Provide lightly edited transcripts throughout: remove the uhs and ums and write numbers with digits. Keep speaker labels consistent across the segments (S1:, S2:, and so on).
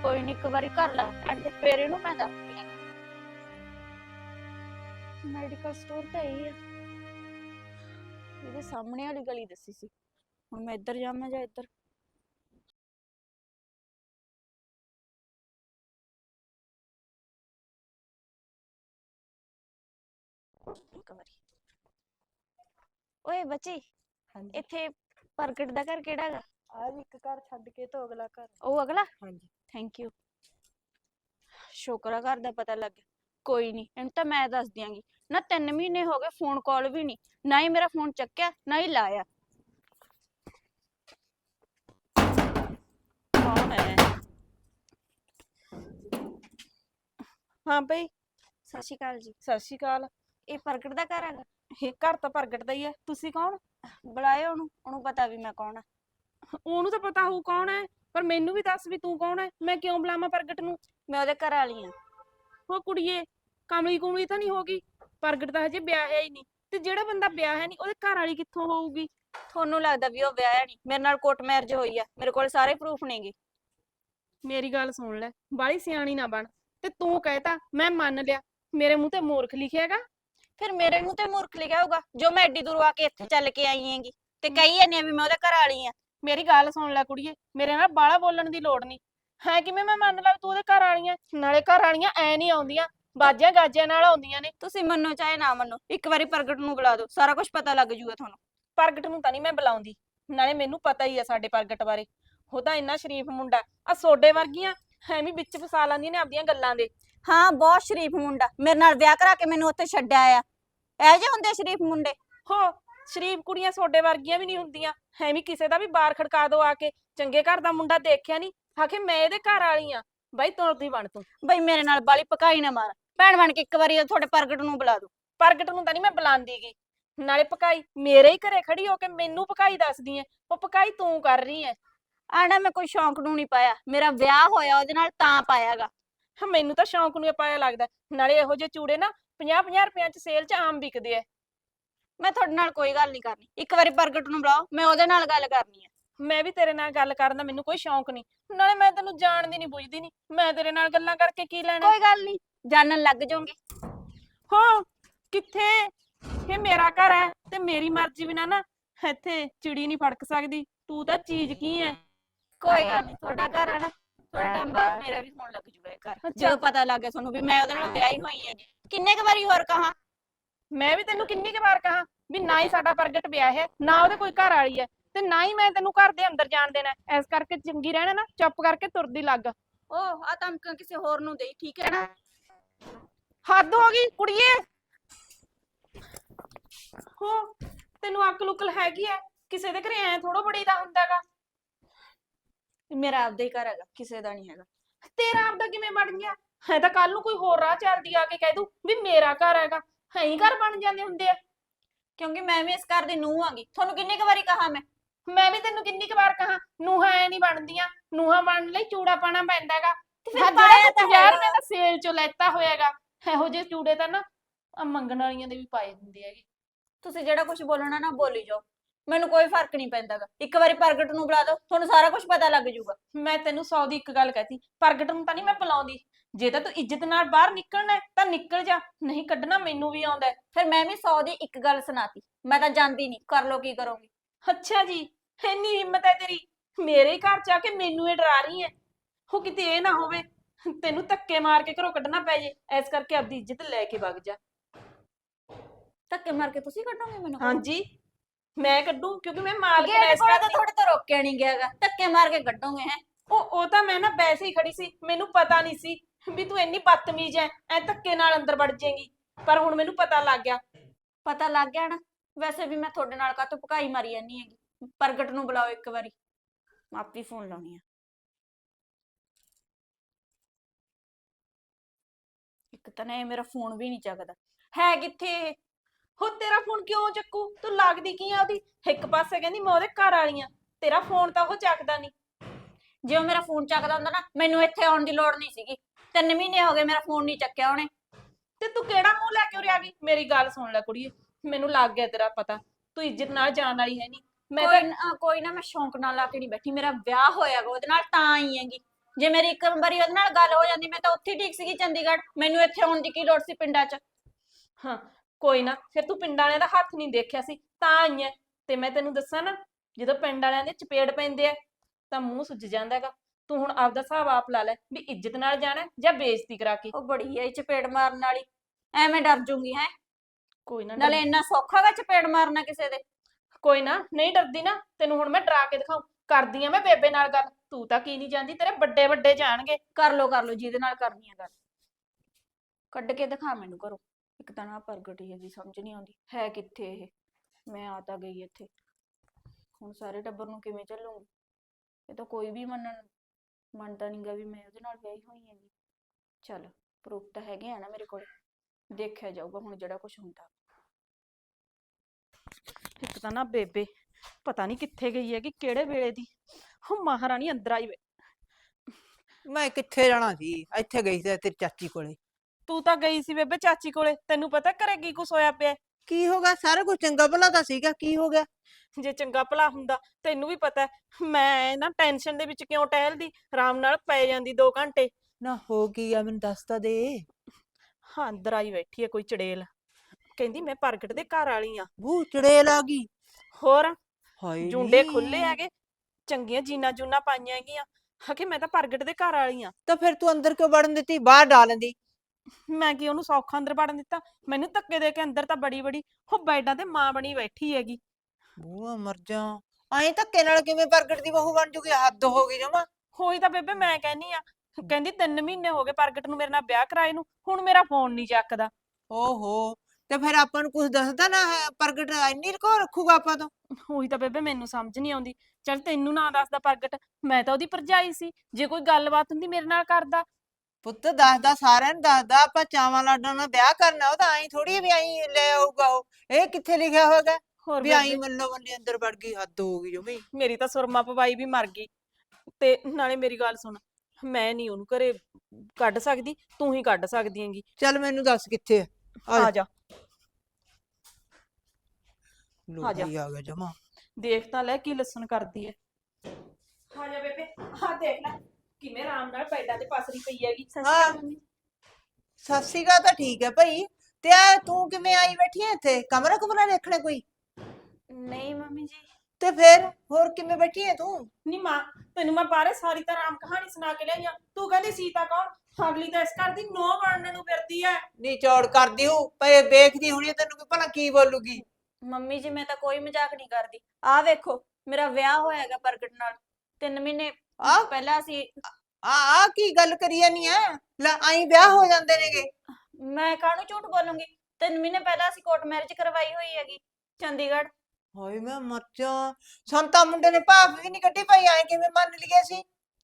S1: ਕੋਈ ਨਹੀਂ, ਇੱਕ ਵਾਰੀ ਕਰ ਲਾ ਐਂਡ ਫਿਰ ਇਹਨੂੰ ਮੈਂ ਦੱਸਦੀ ਹਾਂ। ਮੈਡੀਕਲ ਸਟੋਰ ਤਾਂ ਇਹੀ ਆ, ਇਹਦੇ ਸਾਹਮਣੇ ਵਾਲੀ ਗਲੀ ਦੱਸੀ ਸੀ। ਹੁਣ ਮੈਂ ਇੱਧਰ ਜਾਵਾਂ ਜਾਂ ਇੱਧਰ? ਇੱਕ ਵਾਰੀ। ਓਏ ਬੱਚੀ,
S2: ਹਾਂਜੀ।
S1: ਇੱਥੇ ਪ੍ਰਗਟ ਦਾ ਘਰ ਕਿਹੜਾ ਹੈਗਾ?
S2: ਆ ਜੀ ਇੱਕ ਘਰ ਛੱਡ ਕੇ ਤੋਂ ਅਗਲਾ ਘਰ।
S1: ਉਹ ਅਗਲਾ?
S2: ਹਾਂਜੀ।
S1: Thank you. ਸ਼ੁਕਰ ਆ ਘਰ ਦਾ ਪਤਾ ਲੱਗ ਗਿਆ। ਕੋਈ ਨਹੀਂ, ਇਹਨੂੰ ਤਾਂ ਮੈਂ ਦੱਸ ਦਿਆਂਗੀ ਨਾ। 3 ਮਹੀਨੇ ਹੋ ਗਏ ਫੋਨ ਕਾਲ ਵੀ ਨਹੀਂ, ਨਾ ਹੀ ਮੇਰਾ ਫੋਨ ਚੱਕਿਆ ਨਾ ਹੀ ਲਾਇਆ। ਕੌਣ ਹੈ?
S2: ਹਾਂ ਬਈ।
S1: ਸਤਿ ਸ਼੍ਰੀ ਅਕਾਲ ਜੀ।
S2: ਸਤਿ ਸ਼੍ਰੀ ਅਕਾਲ।
S1: ਇਹ ਪ੍ਰਗਟ ਦਾ ਘਰ ਹੈਗਾ?
S2: ਇਹ ਘਰ ਤਾਂ ਪ੍ਰਗਟ ਦਾ ਹੀ ਹੈ। ਤੁਸੀਂ ਕੌਣ?
S1: ਬੁਲਾਇਓ ਉਹਨੂੰ, ਉਹਨੂੰ ਪਤਾ ਵੀ ਮੈਂ ਕੌਣ ਆ।
S2: ਉਹਨੂੰ ਤਾਂ ਪਤਾ ਹੋਊ ਕੌਣ ਹੈ, ਪਰ ਮੈਨੂੰ ਵੀ ਦੱਸ ਵੀ ਤੂੰ ਕੌਣ ਹੈ। ਮੈਂ ਕਿਉਂ ਬੁਲਾਵਾਂ ਪ੍ਰਗਟ ਨੂੰ?
S1: ਮੈਂ ਉਹਦੇ ਘਰ ਵਾਲੀ ਆ।
S2: ਉਹ ਕੁੜੀਏ, ਕਮਲੀ ਕੁਮਲੀ ਤਾਂ ਨਹੀਂ ਹੋਗੀ? ਪ੍ਰਗਟ ਦਾ ਹਜੇ ਵਿਆਹਿਆ ਹੀ ਨਹੀਂ, ਤੇ ਜਿਹੜਾ ਬੰਦਾ ਵਿਆਹਿਆ ਨਹੀਂ ਉਹਦੇ ਘਰ ਵਾਲੀ ਕਿੱਥੋਂ ਹੋਊਗੀ?
S1: ਤੁਹਾਨੂੰ ਲੱਗਦਾ ਵੀ ਉਹ ਵਿਆਹਿਆ ਨਹੀਂ? ਮੇਰੇ ਨਾਲ ਕੋਰਟ ਮੈਰਿਜ ਹੋਈ ਆ, ਮੇਰੇ ਕੋਲ ਸਾਰੇ ਪ੍ਰੂਫ ਨੇਗੇ।
S2: ਮੇਰੀ ਗੱਲ ਸੁਣ ਲੈ, ਬਾਹਲੀ ਸਿਆਣੀ ਨਾ ਬਣ। ਤੇ ਤੂੰ ਕਹਿਤਾ ਮੈਂ ਮੰਨ ਲਿਆ, ਮੇਰੇ ਮੂੰਹ ਤੇ ਮੂਰਖ ਲਿਖਿਆਗਾ।
S1: ਫਿਰ ਮੇਰੇ ਮੂੰਹ ਤੇ ਮੂਰਖ ਲਿਖਿਆ ਹੋਊਗਾ ਜੋ ਮੈਂ ਐਡੀ ਦੂਰੋਂ ਆ ਕੇ ਇੱਥੇ ਚੱਲ ਕੇ ਆਈ ਹੈਗੀ, ਤੇ ਕਹੀ ਜਾਂਦੀ ਆ ਵੀ ਮੈਂ ਉਹਦੇ ਘਰ ਵਾਲੀ ਆ।
S2: ਮੇਰੀ ਗੱਲ ਸੁਣ ਲੈ ਕੁੜੀਏ, ਮੇਰੇ ਨਾਲ ਬਾਹਲਾ ਬੋਲਣ ਦੀ ਲੋੜ ਨਹੀਂ ਹੈ। ਕਿਵੇਂ ਮੈਂ ਮੰਨ ਲਾ ਤੂੰ ਉਹਦੇ ਘਰ ਵਾਲੀਆਂ? ਨਾਲੇ ਘਰ ਵਾਲੀਆਂ ਐ ਨਹੀਂ ਆਉਂਦੀਆਂ, ਬਾਜਿਆਂ ਗਾਜਿਆਂ ਨਾਲ ਆਉਂਦੀਆਂ ਨੇ।
S1: ਤੁਸੀਂ ਮੰਨੋ ਚਾਹੇ ਨਾ ਮੰਨੋ, ਇੱਕ ਵਾਰੀ ਪ੍ਰਗਟ ਨੂੰ ਬੁਲਾ ਦਿਓ, ਸਾਰਾ ਕੁਝ ਪਤਾ ਲੱਗ ਜੂਗਾ ਤੁਹਾਨੂੰ।
S2: ਪ੍ਰਗਟ ਨੂੰ ਤਾਂ ਨਹੀਂ ਮੈਂ ਬੁਲਾਉਂਦੀ, ਨਾਲੇ ਮੈਨੂੰ ਪਤਾ ਹੀ ਆ ਸਾਡੇ ਪ੍ਰਗਟ ਬਾਰੇ। ਉਹ ਤਾਂ ਇੰਨਾ ਸ਼ਰੀਫ ਮੁੰਡਾ ਆ, ਸੋਡੇ ਵਰਗੀਆਂ ਐਵੇਂ ਵਿੱਚ ਫਸਾ ਲੈਂਦੀਆਂ ਨੇ ਆਪਦੀਆਂ ਗੱਲਾਂ ਦੇ।
S1: ਹਾਂ, ਬਹੁਤ ਸ਼ਰੀਫ ਮੁੰਡਾ, ਮੇਰੇ ਨਾਲ ਵਿਆਹ ਕਰਾ ਕੇ ਮੈਨੂੰ ਉੱਥੇ ਛੱਡਿਆ ਆ। ਇਹ ਜਿਹੇ ਹੁੰਦੇ ਸ਼ਰੀਫ ਮੁੰਡੇ।
S2: ਹੋ, ਸ਼ਰੀਫ ਕੁੜੀਆਂ ਸੋਡੇ ਵਰਗੀਆਂ ਵੀ ਨਹੀਂ ਹੁੰਦੀਆਂ। ਐਵੇਂ ਕਿਸੇ ਦਾ ਵੀ ਬਾਰ ਖੜਕਾ ਦੋ ਆ ਕੇ। ਚੰਗੇ ਘਰ ਦਾ ਮੁੰਡਾ ਦੇਖਿਆ ਨਹੀਂ, ਆਖੇ ਮੈਂ ਇਹਦੇ ਘਰ ਵਾਲੀ ਆ। ਬਾਈ ਤੁਰਦੀ ਬਣ ਤੂੰ।
S1: ਬਈ ਮੇਰੇ ਨਾਲ ਬਾਲੀ ਪਕਾਈ ਨਾ ਮਾਰ, ਭੈਣ ਬਣ ਕੇ ਇੱਕ ਵਾਰੀ ਤੁਹਾਡੇ ਪ੍ਰਗਟ ਨੂੰ ਬੁਲਾ ਦਿਓ।
S2: ਪ੍ਰਗਟ ਨੂੰ ਤਾਂ ਨਹੀਂ ਮੈਂ ਬੁਲਾਉਂਦੀ ਗੀ। ਨਾਲੇ ਪਕਾਈ ਮੇਰੇ ਹੀ ਘਰੇ ਖੜੀ ਹੋ ਕੇ ਮੈਨੂੰ ਪਕਾਈ ਦੱਸਦੀ ਐ। ਉਹ ਪਕਾਈ ਤੂੰ ਕਰ ਰਹੀ ਐ।
S1: ਆਣਾ ਮੈਂ ਕੋਈ ਸ਼ੌਂਕ ਨੂੰ ਨਹੀਂ ਪਾਇਆ, ਮੇਰਾ ਵਿਆਹ ਹੋਇਆ ਉਹਦੇ ਨਾਲ ਤਾਂ ਪਾਇਆਗਾ।
S2: ਮੈਨੂੰ ਤਾਂ ਸ਼ੌਂਕ ਨੂੰ ਪਾਇਆ ਲੱਗਦਾ। ਨਾਲੇ ਇਹੋ ਜਿਹੇ ਚੂੜੇ ਨਾ 50-50 ਰੁਪਈਆਂ ਚ ਸੇਲ ਚ ਆਮ ਵਿਕਦੇ ਐ।
S1: ਮੈਂ ਤੁਹਾਡੇ ਨਾਲ ਕੋਈ ਗੱਲ ਨਹੀਂ ਕਰਨੀ, ਇੱਕ ਵਾਰੀ ਪ੍ਰਗਟ ਨੂੰ ਬੁਲਾਓ, ਮੈਂ ਉਹਦੇ ਨਾਲ ਗੱਲ ਕਰਨੀ ਹੈ।
S2: ਮੈਂ ਵੀ ਤੇਰੇ ਨਾਲ ਗੱਲ ਕਰਨ ਦਾ ਮੈਨੂੰ ਕੋਈ ਸ਼ੌਂਕ ਨਹੀਂ। ਨਾਲੇ ਮੈਂ ਤੈਨੂੰ ਜਾਣਦੀ ਨਹੀਂ ਬੁੱਝਦੀ ਨਹੀਂ, ਮੈਂ ਤੇਰੇ ਨਾਲ ਗੱਲਾਂ ਕਰਕੇ ਕੀ ਲੈਣਾ?
S1: ਕੋਈ ਗੱਲ ਨਹੀਂ, ਜਾਣਨ ਲੱਗ ਜਾਓਗੇ।
S2: ਹੋ, ਕਿੱਥੇ? ਇਹ ਮੇਰਾ ਘਰ ਹੈ ਤੇ ਮੇਰੀ ਮਰਜ਼ੀ ਬਿਨਾਂ ਨਾ ਇੱਥੇ ਚਿੜੀ ਨਹੀਂ ਫੜਕ ਸਕਦੀ। ਤੂੰ ਤਾਂ ਚੀਜ਼ ਕੀ ਐ?
S1: ਕੋਈ ਗੱਲ ਨਹੀਂ, ਤੁਹਾਡਾ ਘਰ ਹੈ ਨਾ, ਥੋੜਾ ਟਾਈਮ ਬਾਅਦ ਮੇਰਾ ਵੀ ਹੋਣ ਲੱਗ ਜੂਗਾ ਇਹ ਘਰ, ਜਦੋਂ ਪਤਾ ਲੱਗ ਗਿਆ ਤੁਹਾਨੂੰ ਵੀ ਮੈਂ ਉਹਦੇ ਨਾਲ ਵਿਆਹੀ ਹੋਈ ਹੈਗੀ। ਕਿੰਨੇ ਕੁ ਵਾਰੀ ਹੋਰ ਕਹਾਂ?
S2: ਮੈਂ ਵੀ ਤੈਨੂੰ ਕਿੰਨੀ ਕੁ ਵਾਰ ਕਹਾ ਵੀ ਨਾ ਹੀ ਸਾਡਾ ਪ੍ਰਗਟ ਵਿਆਹ ਹੈ, ਨਾ ਉਹਦੇ ਕੋਈ ਘਰ ਵਾਲੀ ਹੈ, ਤੇ ਨਾ ਹੀ ਮੈਂ ਤੈਨੂੰ ਘਰ ਦੇ ਅੰਦਰ ਜਾਣ ਦੇਣਾ। ਇਸ ਕਰਕੇ ਚੰਗੀ ਰਹਿਣਾ ਨਾ, ਚੁੱਪ ਕਰਕੇ ਤੁਰਦੀ ਲੱਗ।
S1: ਓਹ ਆ ਧਮਕੀਆਂ ਕਿਸੇ ਹੋਰ ਨੂੰ ਦੇਈ, ਠੀਕ ਹੈ ਨਾ?
S2: ਹੱਦ ਹੋ ਗਈ ਕੁੜੀਏ। ਹੋ, ਤੈਨੂੰ ਅਕਲ ਉਕਲ ਹੈਗੀ ਐ? ਕਿਸੇ ਦੇ ਘਰੇ ਐ ਥੋੜੋ ਬੜੀ ਦਾ ਹੁੰਦਾਗਾ।
S1: ਮੇਰਾ ਆਪਦਾ ਹੀ ਘਰ ਹੈਗਾ, ਕਿਸੇ ਦਾ ਨਹੀਂ ਹੈਗਾ।
S2: ਤੇਰਾ ਆਪਦਾ ਕਿਵੇਂ ਬਣ ਗਿਆ? ਹੈ ਤਾਂ ਕੱਲ ਨੂੰ ਕੋਈ ਹੋਰ ਰਾਹ ਚੱਲਦੀ ਆ ਕੇ ਕਹਿ ਦੂ ਵੀ ਮੇਰਾ ਘਰ ਹੈਗਾ। ਐਂ ਘਰ ਬਣ ਜਾਂਦੇ ਹੁੰਦੇ ਆ।
S1: ਕਿਉਂਕਿ ਮੈਂ ਵੀ ਇਸ ਘਰ ਦੀ ਨੂੰਹ ਆਂਗੀ। ਤੁਹਾਨੂੰ ਕਿੰਨੀ ਕੁ ਵਾਰੀ ਕਹਾ
S2: ਮੈਂ ਵੀ ਤੈਨੂੰ ਕਿੰਨੀ ਕੁ ਵਾਰ ਕਹਾ, ਨੂੰਹਾਂ ਐ ਨਹੀਂ ਬਣਦੀਆਂ। ਨੂੰਹਾਂ ਬਣਨ ਲਈ ਚੂੜਾ ਪਾਣਾ ਪੈਂਦਾਗਾ।
S1: ਫਿਰ
S2: ਜਿਹੜਾ
S1: ਪਾਇਆ
S2: ਤੂੰ
S1: ਤਾਂ
S2: 50
S1: ਹੈਗਾ।
S2: ਰੁਪਏ ਦਾ ਸੇਲ ਚੋਂ ਲੈਤਾ ਹੋਇਆਗਾ, ਇਹੋ ਜਿਹੇ ਚੂੜੇ ਤਾਂ ਨਾ ਮੰਗਣ ਵਾਲੀਆਂ ਦੇ ਵੀ ਪਾਏ ਹੁੰਦੇ ਹੈਗੇ।
S1: ਤੁਸੀਂ ਜਿਹੜਾ ਕੁਝ ਬੋਲਣਾ ਨਾ ਬੋਲੀ ਜਾਓ, ਮੈਨੂੰ ਕੋਈ ਫਰਕ ਨਹੀਂ ਪੈਂਦਾਗਾ। ਇੱਕ ਵਾਰੀ ਪ੍ਰਗਟ ਨੂੰ ਬੁਲਾ ਦਿਓ, ਤੁਹਾਨੂੰ ਸਾਰਾ ਕੁਝ ਪਤਾ ਲੱਗ ਜਾਊਗਾ।
S2: ਮੈਂ ਤੈਨੂੰ 100 ਦੀ ਇੱਕ ਗੱਲ ਕਹਤੀ, ਪ੍ਰਗਟ ਨੂੰ ਤਾਂ ਨਹੀਂ ਮੈਂ ਬੁਲਾਉਂਦੀ। ਜੇ ਤਾਂ ਤੂੰ ਇੱਜ਼ਤ ਨਾਲ ਬਾਹਰ ਨਿਕਲਣਾ ਤਾਂ ਨਿਕਲ ਜਾ, ਨਹੀਂ ਕੱਢਣਾ ਮੈਨੂੰ ਵੀ ਆਉਂਦਾ।
S1: ਫਿਰ ਮੈਂ ਵੀ 100 ਦੀ ਇੱਕ ਗੱਲ ਸੁਣਾਤੀ, ਮੈਂ ਤਾਂ ਜਾਂਦੀ ਨਹੀਂ, ਕਰ ਲੋ ਕੀ ਕਰੋਗੇ।
S2: ਅੱਛਾ ਜੀ, ਇੰਨੀ ਹਿੰਮਤ ਹੈ ਤੇਰੀ? ਮੇਰੇ ਹੀ ਘਰ ਚ ਆ ਕੇ ਮੈਨੂੰ ਇਹ ਡਰਾ ਰਹੀ ਹੈ। ਉਹ ਕਿਤੇ ਇਹ ਨਾ ਹੋਵੇ ਤੈਨੂੰ ਧੱਕੇ ਮਾਰ ਕੇ ਘਰੋਂ ਕੱਢਣਾ ਪੈ ਜੇ। ਇਸ ਕਰਕੇ ਆਪਦੀ ਇੱਜ਼ਤ ਲੈ ਕੇ ਵਗ ਜਾ।
S1: ਧੱਕੇ ਮਾਰ ਕੇ ਤੁਸੀਂ ਕੱਢੋਗੇ ਮੈਨੂੰ?
S2: ਹਾਂਜੀ, ਮੈਂ ਕੱਢੂ, ਕਿਉਂਕਿ ਮੈਂ ਮਾਲਕ
S1: ਗੇਟ
S2: ਇਸ
S1: ਕੋਲ
S2: ਘਰ
S1: ਤਾਂ
S2: ਦੀ।
S1: ਤੁਹਾਡੇ ਤੋਂ ਰੋਕਿਆ ਨਹੀਂ ਗਿਆਗਾ, ਧੱਕੇ ਮਾਰ ਕੇ ਕੱਢੋਗੇ ਹੈ?
S2: ਉਹ ਤਾਂ ਮੈਂ ਨਾ ਵੈਸੇ ਹੀ ਖੜੀ ਸੀ, ਮੈਨੂੰ ਪਤਾ ਨਹੀਂ ਸੀ ਵੀ ਤੂੰ ਇੰਨੀ ਬਦਤਮੀਜ਼ ਐ, ਐ ਧੱਕੇ ਨਾਲ ਅੰਦਰ ਵੜ ਜਾਏਗੀ। ਪਰ ਹੁਣ ਮੈਨੂੰ ਪਤਾ ਲੱਗ ਗਿਆ।
S1: ਪਤਾ ਲੱਗ ਗਿਆ ਨਾ? ਵੈਸੇ ਵੀ ਮੈਂ ਤੁਹਾਡੇ ਨਾਲ ਕਾਹਤੋਂ ਭਕਾਈ ਮਾਰੀ ਜਾਂਦੀ ਹੈਗੀ। ਪ੍ਰਗਟ ਨੂੰ ਬੁਲਾਓ ਇੱਕ ਵਾਰੀ, ਮੈਂ ਆਪੇ ਫੋਨ ਲਾਉਣੀ ਆ। ਇੱਕ ਤਾਂ ਨਾ ਇਹ ਮੇਰਾ ਫੋਨ ਵੀ ਨਹੀਂ ਚੱਕਦਾ, ਹੈ ਕਿੱਥੇ?
S2: ਹੋ, ਤੇਰਾ ਫੋਨ ਕਿਉਂ ਚੱਕੂ? ਤੂੰ ਲੱਗਦੀ ਕੀ ਆ ਉਹਦੀ? ਇੱਕ ਪਾਸੇ ਕਹਿੰਦੀ ਮੈਂ ਉਹਦੇ ਘਰ ਵਾਲੀ ਆ, ਤੇਰਾ ਫੋਨ ਤਾਂ ਉਹ ਚੱਕਦਾ ਨਹੀਂ।
S1: ਜੇ ਉਹ ਮੇਰਾ ਫੋਨ ਚੱਕਦਾ ਹੁੰਦਾ ਨਾ, ਮੈਨੂੰ ਇੱਥੇ ਆਉਣ ਦੀ ਲੋੜ ਨਹੀਂ ਸੀਗੀ। 3 ਮਹੀਨੇ ਹੋ ਗਏ ਮੇਰਾ ਫੋਨ ਨਹੀਂ ਚੱਕਿਆ ਉਹਨੇ।
S2: ਤੇ ਤੂੰ ਕਿਹੜਾ ਮੂੰਹ ਲੈ ਕੇ ਉਰੇ ਆ ਗਈ? ਮੇਰੀ ਗੱਲ ਸੁਣ ਲੈ ਕੁੜੀਏ, ਮੈਨੂੰ ਲੱਗ ਗਿਆ ਤੇਰਾ ਪਤਾ, ਤੂੰ ਇੱਜ਼ਤ ਨਾਲ ਜਾਣ ਵਾਲੀ ਹੈ ਨਹੀਂ। ਮੈਂ ਤਾਂ
S1: ਕੋਈ ਨਾ, ਮੈਂ ਸ਼ੌਂਕ ਨਾਲ ਲਾ ਕੇ ਨਹੀਂ ਬੈਠੀ, ਮੇਰਾ ਵਿਆਹ ਹੋਇਆਗਾ ਉਹਦੇ ਨਾਲ ਤਾਂ ਆਈ ਹੈਗੀ। ਜੇ ਮੇਰੀ ਇੱਕ ਵਾਰੀ ਉਹਦੇ ਨਾਲ ਗੱਲ ਹੋ ਜਾਂਦੀ ਮੈਂ ਤਾਂ ਉੱਥੇ ਹੀ ਠੀਕ ਸੀਗੀ ਚੰਡੀਗੜ੍ਹ। ਮੈਨੂੰ ਇੱਥੇ ਆਉਣ ਦੀ ਕੀ ਲੋੜ ਸੀ ਪਿੰਡਾਂ 'ਚ।
S2: ਹਾਂ, ਕੋਈ ਨਾ, ਫਿਰ ਤੂੰ ਪਿੰਡ ਵਾਲਿਆਂ ਦਾ ਹੱਥ ਨਹੀਂ ਦੇਖਿਆ ਸੀ ਤਾਂ ਆਈ ਐ। ਤੇ ਮੈਂ ਤੈਨੂੰ ਦੱਸਾਂ ਨਾ, ਜਦੋਂ ਪਿੰਡ ਵਾਲਿਆਂ ਦੇ ਚਪੇੜ ਪੈਂਦੇ ਆ ਤਾਂ ਮੂੰਹ ਸੁੱਜ ਜਾਂਦਾ ਹੈਗਾ। ਤੂੰ ਹੁਣ ਆਪਦਾ ਹਿਸਾਬ ਆਪ ਲਾ ਲੈ ਵੀ ਇੱਜ਼ਤ ਨਾਲ ਜਾਣਾ ਜਾਂ ਬੇਇੱਜ਼ਤੀ ਕਰਾ ਕੇ।
S1: ਉਹ ਬੜੀ ਐ ਚਪੇੜ ਮਾਰਨ ਵਾਲੀ, ਐਵੇਂ ਡਰ ਜੂਗੀ ਹੈ।
S2: ਕੋਈ ਨਾ
S1: ਨਾਲੇ ਇੰਨਾ ਸੌਖਾ ਗਾ ਚਪੇੜ ਮਾਰਨਾ ਕਿਸੇ ਦੇ।
S2: ਕੋਈ ਨਾ, ਨਹੀਂ ਡਰਦੀ ਨਾ, ਤੈਨੂੰ ਹੁਣ ਮੈਂ ਡਰਾ ਕੇ ਦਿਖਾਉ। ਕਰਦੀ ਆ ਮੈਂ ਬੇਬੇ ਨਾਲ ਗੱਲ। ਤੂੰ ਤਾਂ ਕੀ ਨਹੀਂ ਜਾਂਦੀ, ਤੇਰੇ ਵੱਡੇ ਵੱਡੇ ਜਾਣਗੇ।
S1: ਕਰ ਲੋ ਜਿਹਦੇ ਨਾਲ ਕਰਨੀ ਆ ਗੱਲ। ਕੱਢ ਕੇ ਦਿਖਾ ਮੈਨੂੰ ਘਰੋਂ। ਇੱਕ ਤਾਂ ਨਾ ਪ੍ਰਗਟ ਹੀ ਦੀ ਸਮਝ ਨਹੀਂ ਆਉਂਦੀ ਹੈ ਕਿੱਥੇ ਇਹ। ਮੈਂ ਆ ਤਾਂ ਗਈ ਇੱਥੇ, ਹੁਣ ਸਾਰੇ ਟੱਬਰ ਨੂੰ ਕਿਵੇਂ ਝੱਲੂੰਗੀ। ਇਹ ਤਾਂ ਕੋਈ ਵੀ ਮੰਨਦਾ ਨਹੀਂਗਾ ਵੀ ਮੈਂ ਉਹਦੇ ਨਾਲ ਵਿਆਹੀ ਹੋਈ ਹੈਗੀ। ਚੱਲ ਪ੍ਰੂਫ ਤਾਂ ਹੈਗੇ ਆ ਨਾ ਮੇਰੇ ਕੋਲ, ਦੇਖਿਆ ਜਾਊਗਾ ਹੁਣ ਜਿਹੜਾ ਕੁਝ ਹੁੰਦਾ।
S2: ਇੱਕ ਤਾਂ ਨਾ ਬੇਬੇ ਪਤਾ ਨਹੀਂ ਕਿੱਥੇ ਗਈ ਹੈ ਕਿ ਕਿਹੜੇ ਵੇਲੇ ਦੀ। ਉਹ ਮਹਾਰਾਣੀ ਅੰਦਰ ਆਈ ਵੇ।
S3: ਮੈਂ ਕਿੱਥੇ ਜਾਣਾ ਸੀ, ਇੱਥੇ ਗਈ ਸੀ ਤੇਰੀ ਚਾਚੀ ਕੋਲੇ।
S2: ਤੂੰ ਤਾਂ ਗਈ ਸੀ ਬੇਬੇ ਚਾਚੀ ਕੋਲੇ, ਤੈਨੂੰ ਪਤਾ ਘਰੇ ਕੀ ਕੁਛ ਹੋਇਆ ਪਿਆ।
S3: ਕੀ ਹੋ ਗਿਆ? ਸਾਰਾ ਕੁਝ ਚੰਗਾ ਭਲਾ ਤਾਂ ਸੀਗਾ, ਕੀ ਹੋ ਗਿਆ?
S2: ਜੇ ਚੰਗਾ ਭਲਾ ਹੁੰਦਾ ਤੈਨੂੰ ਵੀ ਪਤਾ ਮੈਂ ਨਾ ਟੈਨਸ਼ਨ ਦੇ ਵਿੱਚ ਕਿਉਂ ਟਹਿਲਦੀ, ਆਰਾਮ ਨਾਲ ਪੈ ਜਾਂਦੀ 2 ਘੰਟੇ।
S3: ਨਾ ਹੋ ਕੀ ਆ, ਮੈਨੂੰ ਦੱਸ ਤਾਂ ਦੇ।
S2: ਹਾਂ, ਅੰਦਰ ਆਈ ਬੈਠੀ ਹੈ ਕੋਈ ਚੜੇਲ, ਕਹਿੰਦੀ ਮੈਂ ਪ੍ਰਗਟ ਦੇ ਘਰ ਵਾਲੀ ਆ।
S3: ਬੂ ਚੜੇਲ ਆ ਗਈ?
S2: ਹੋਰ
S3: ਹਾਏ
S2: ਜੁੰਡੇ
S3: ਨੀ।
S2: ਖੁੱਲੇ ਹੈਗੇ, ਚੰਗੀਆਂ ਜੀਨਾ ਜੂਨਾ ਪਾਈਆਂ ਹੈਗੀਆਂ। ਹਕੇ ਮੈਂ ਤਾਂ ਪ੍ਰਗਟ ਦੇ ਘਰ ਵਾਲੀ ਆ।
S3: ਤਾਂ ਫਿਰ ਤੂੰ ਅੰਦਰ ਕਿਉਂ ਵੜਨ ਦਿੱਤੀ, ਬਾਹਰ ਡਾਲਣ ਦੀ?
S2: ਮੈਂ ਕੀ ਉਹਨੂੰ ਸੌਖਾ ਅੰਦਰ ਵੜਨ ਦਿੱਤਾ? ਮੈਨੂੰ ਧੱਕੇ ਦੇ ਕੇ ਅੰਦਰ ਤਾਂ ਬੜੀ ਬੜੀ ਉਹ ਬੈਡਾਂ ਤੇ ਮਾਂ ਬਣੀ ਬੈਠੀ ਹੈਗੀ।
S3: ਬੂਆ ਮਰ ਜਾ, ਐਂ ਧੱਕੇ ਨਾਲ ਕਿਵੇਂ ਪ੍ਰਗਟ ਦੀ ਬਹੂ ਬਣ ਜੂਗੀ? ਹੱਦ ਹੋ ਗਈ ਜਮਾ।
S2: ਹੋਈ ਤਾਂ ਬੇਬੇ ਮੈਂ ਕਹਿੰਨੀ ਆ, ਕਹਿੰਦੀ 3 ਮਹੀਨੇ ਹੋ ਗਏ ਪ੍ਰਗਟ ਨੂੰ ਮੇਰੇ ਨਾਲ ਵਿਆਹ ਕਰਾਏ ਨੂੰ, ਹੁਣ ਮੇਰਾ ਫੋਨ ਨਹੀਂ ਚੱਕਦਾ।
S3: ਓਹੋ, ਤੇ ਫਿਰ ਆਪਾਂ ਨੂੰ ਕੁਝ ਦੱਸਦਾ ਨਾ ਹੈ? ਪ੍ਰਗਟ ਇੰਨੀ ਰਕੋ ਰੱਖੂਗਾ ਆਪਾਂ ਤੋਂ?
S2: ਉਹੀ ਤਾਂ ਬੇਬੇ ਮੈਨੂੰ ਸਮਝ ਨਹੀਂ ਆਉਂਦੀ। ਚੱਲ ਤੈਨੂੰ ਨਾ ਦੱਸਦਾ ਪ੍ਰਗਟ, ਮੈਂ ਤਾਂ ਉਹਦੀ ਭਰਜਾਈ ਸੀ, ਜੇ ਕੋਈ ਗੱਲਬਾਤ ਹੁੰਦੀ ਮੇਰੇ ਨਾਲ ਕਰਦਾ।
S3: ਪੁੱਤ ਦੱਸਦਾ, ਸਾਰਿਆਂ ਨੂੰ ਦੱਸਦਾ। ਆਪਾਂ ਚਾਵਾਂ ਲਾਡਾਂ ਨਾਲ ਵਿਆਹ ਕਰਨਾ, ਉਹ ਤਾਂ ਐਂ ਥੋੜੀ ਵੀ ਐਂ ਲੈ ਆਊਗਾ ਉਹ। ਇਹ ਕਿੱਥੇ ਲਿਖਿਆ ਹੋਗਾ
S2: ਹੋਰ
S3: ਵੀ ਐਂ
S2: ਬੇਬੇ
S3: ਮੱਲੋ ਮੱਲੀ ਅੰਦਰ ਵੜ ਗਈ? ਹੱਦ ਹੋ ਗਈ ਜਮੀ।
S2: ਮੇਰੀ ਤਾਂ ਸੁਰਮਾ ਪਵਾਈ ਵੀ ਮਰ ਗਈ। ਤੇ ਨਾਲੇ ਮੇਰੀ ਗੱਲ ਸੁਣ, ਮੈਂ ਨਹੀਂ ਉਹਨੂੰ ਘਰੇ ਕੱਢ ਸਕਦੀ, ਤੂੰ ਹੀ ਕੱਢ ਸਕਦੀ ਹੈਗੀ।
S3: ਚੱਲ ਮੈਨੂੰ ਦੱਸ ਕਿੱਥੇ ਆ?
S2: ਆ ਜਾ,
S3: ਲੋਹੀ ਆ ਗਿਆ ਜਮਾ।
S2: ਦੇਖ ਤਾਂ ਲੈ ਕੀ ਲੱਸਣ ਕਰਦੀ ਐ। ਆ ਜਾ ਬੇਬੇ, ਆ ਦੇਖ ਲੈ ਕਿਵੇਂ ਆਰਾਮ ਨਾਲ ਪੈਡਾਂ ਤੇ ਪਸਰੀ ਪਈ ਹੈਗੀ।
S3: ਹਾਂ, ਸਤਿ ਸ਼੍ਰੀ ਅਕਾਲ ਤਾਂ ਠੀਕ ਹੈ ਭਾਈ। ਤੇ ਆ ਤੂੰ ਕਿਵੇਂ ਆਈ ਬੈਠੀ ਐ ਇੱਥੇ? ਕਮਰਾ ਕੁਮਰਾ ਦੇਖਣਾ ਕੋਈ?
S1: ਨਹੀਂ ਮੰਮੀ ਜੀ।
S3: ਤੇ ਫਿਰ ਹੋਰ ਕਿਵੇਂ ਬੈਠੀ ਐ ਤੂੰ?
S2: ਨੀ ਮਾਂ, ਤੈਨੂੰ ਮੈਂ ਬਾਰੇ ਸਾਰੀ ਤਾਂ ਰਾਮ ਕਹਾਣੀ ਸੁਣਾ ਕੇ ਲਿਆਈ ਆ। ਤੂੰ ਕਹਿੰਦੀ ਸੀਤਾ ਕੌਣ? ਅਗਲੀ ਤਾਂ ਇਸ ਘਰ ਦੀ ਨੌਂ ਬਣਨ ਨੂੰ ਫਿਰਦੀ ਐ।
S3: ਨੀ ਚੌੜ ਕਰਦੀ ਹੂੰ ਪਏ, ਵੇਖਦੀ ਹੁਣੀ ਤੈਨੂੰ ਕਿ ਭਲਾ ਕੀ ਬੋਲੂਗੀ।
S1: ਮੰਮੀ ਜੀ ਮੈਂ ਤਾਂ ਕੋਈ ਮਜ਼ਾਕ ਨਹੀਂ ਕਰਦੀ। ਆਹ ਵੇਖੋ ਮੇਰਾ ਵਿਆਹ ਹੋਇਆ ਹੈਗਾ ਪ੍ਰਗਟ ਨਾਲ 3 ਮਹੀਨੇ
S3: ਆ
S1: ਪਹਿਲਾਂ ਅਸੀਂ।
S3: ਆ ਕੀ ਗੱਲ ਕਰੀ ਜਾਨੀ ਐ? ਲੈ ਆਈ ਵਿਆਹ ਹੋ ਜਾਂਦੇ ਨੇਗੇ।
S1: ਮੈਂ ਕਾਹਨੂੰ ਝੂਠ ਬੋਲੂੰਗੀ। 3 ਮਹੀਨੇ ਪਹਿਲਾਂ ਅਸੀਂ ਕੋਰਟ ਮੈਰਿਜ ਕਰਵਾਈ ਹੋਈ ਹੈਗੀ ਚੰਡੀਗੜ੍ਹ।
S3: ਹਾਏ ਮੈਂ ਮਰ ਜਾ, ਸੰਤਾ ਮੁੰਡੇ ਨੇ ਭਾਫ ਵੀ ਨਹੀਂ ਕੱਢੀ ਭਾਈ, ਐ ਕਿਵੇਂ ਮੰਨ ਲਈਏ ਸੀ?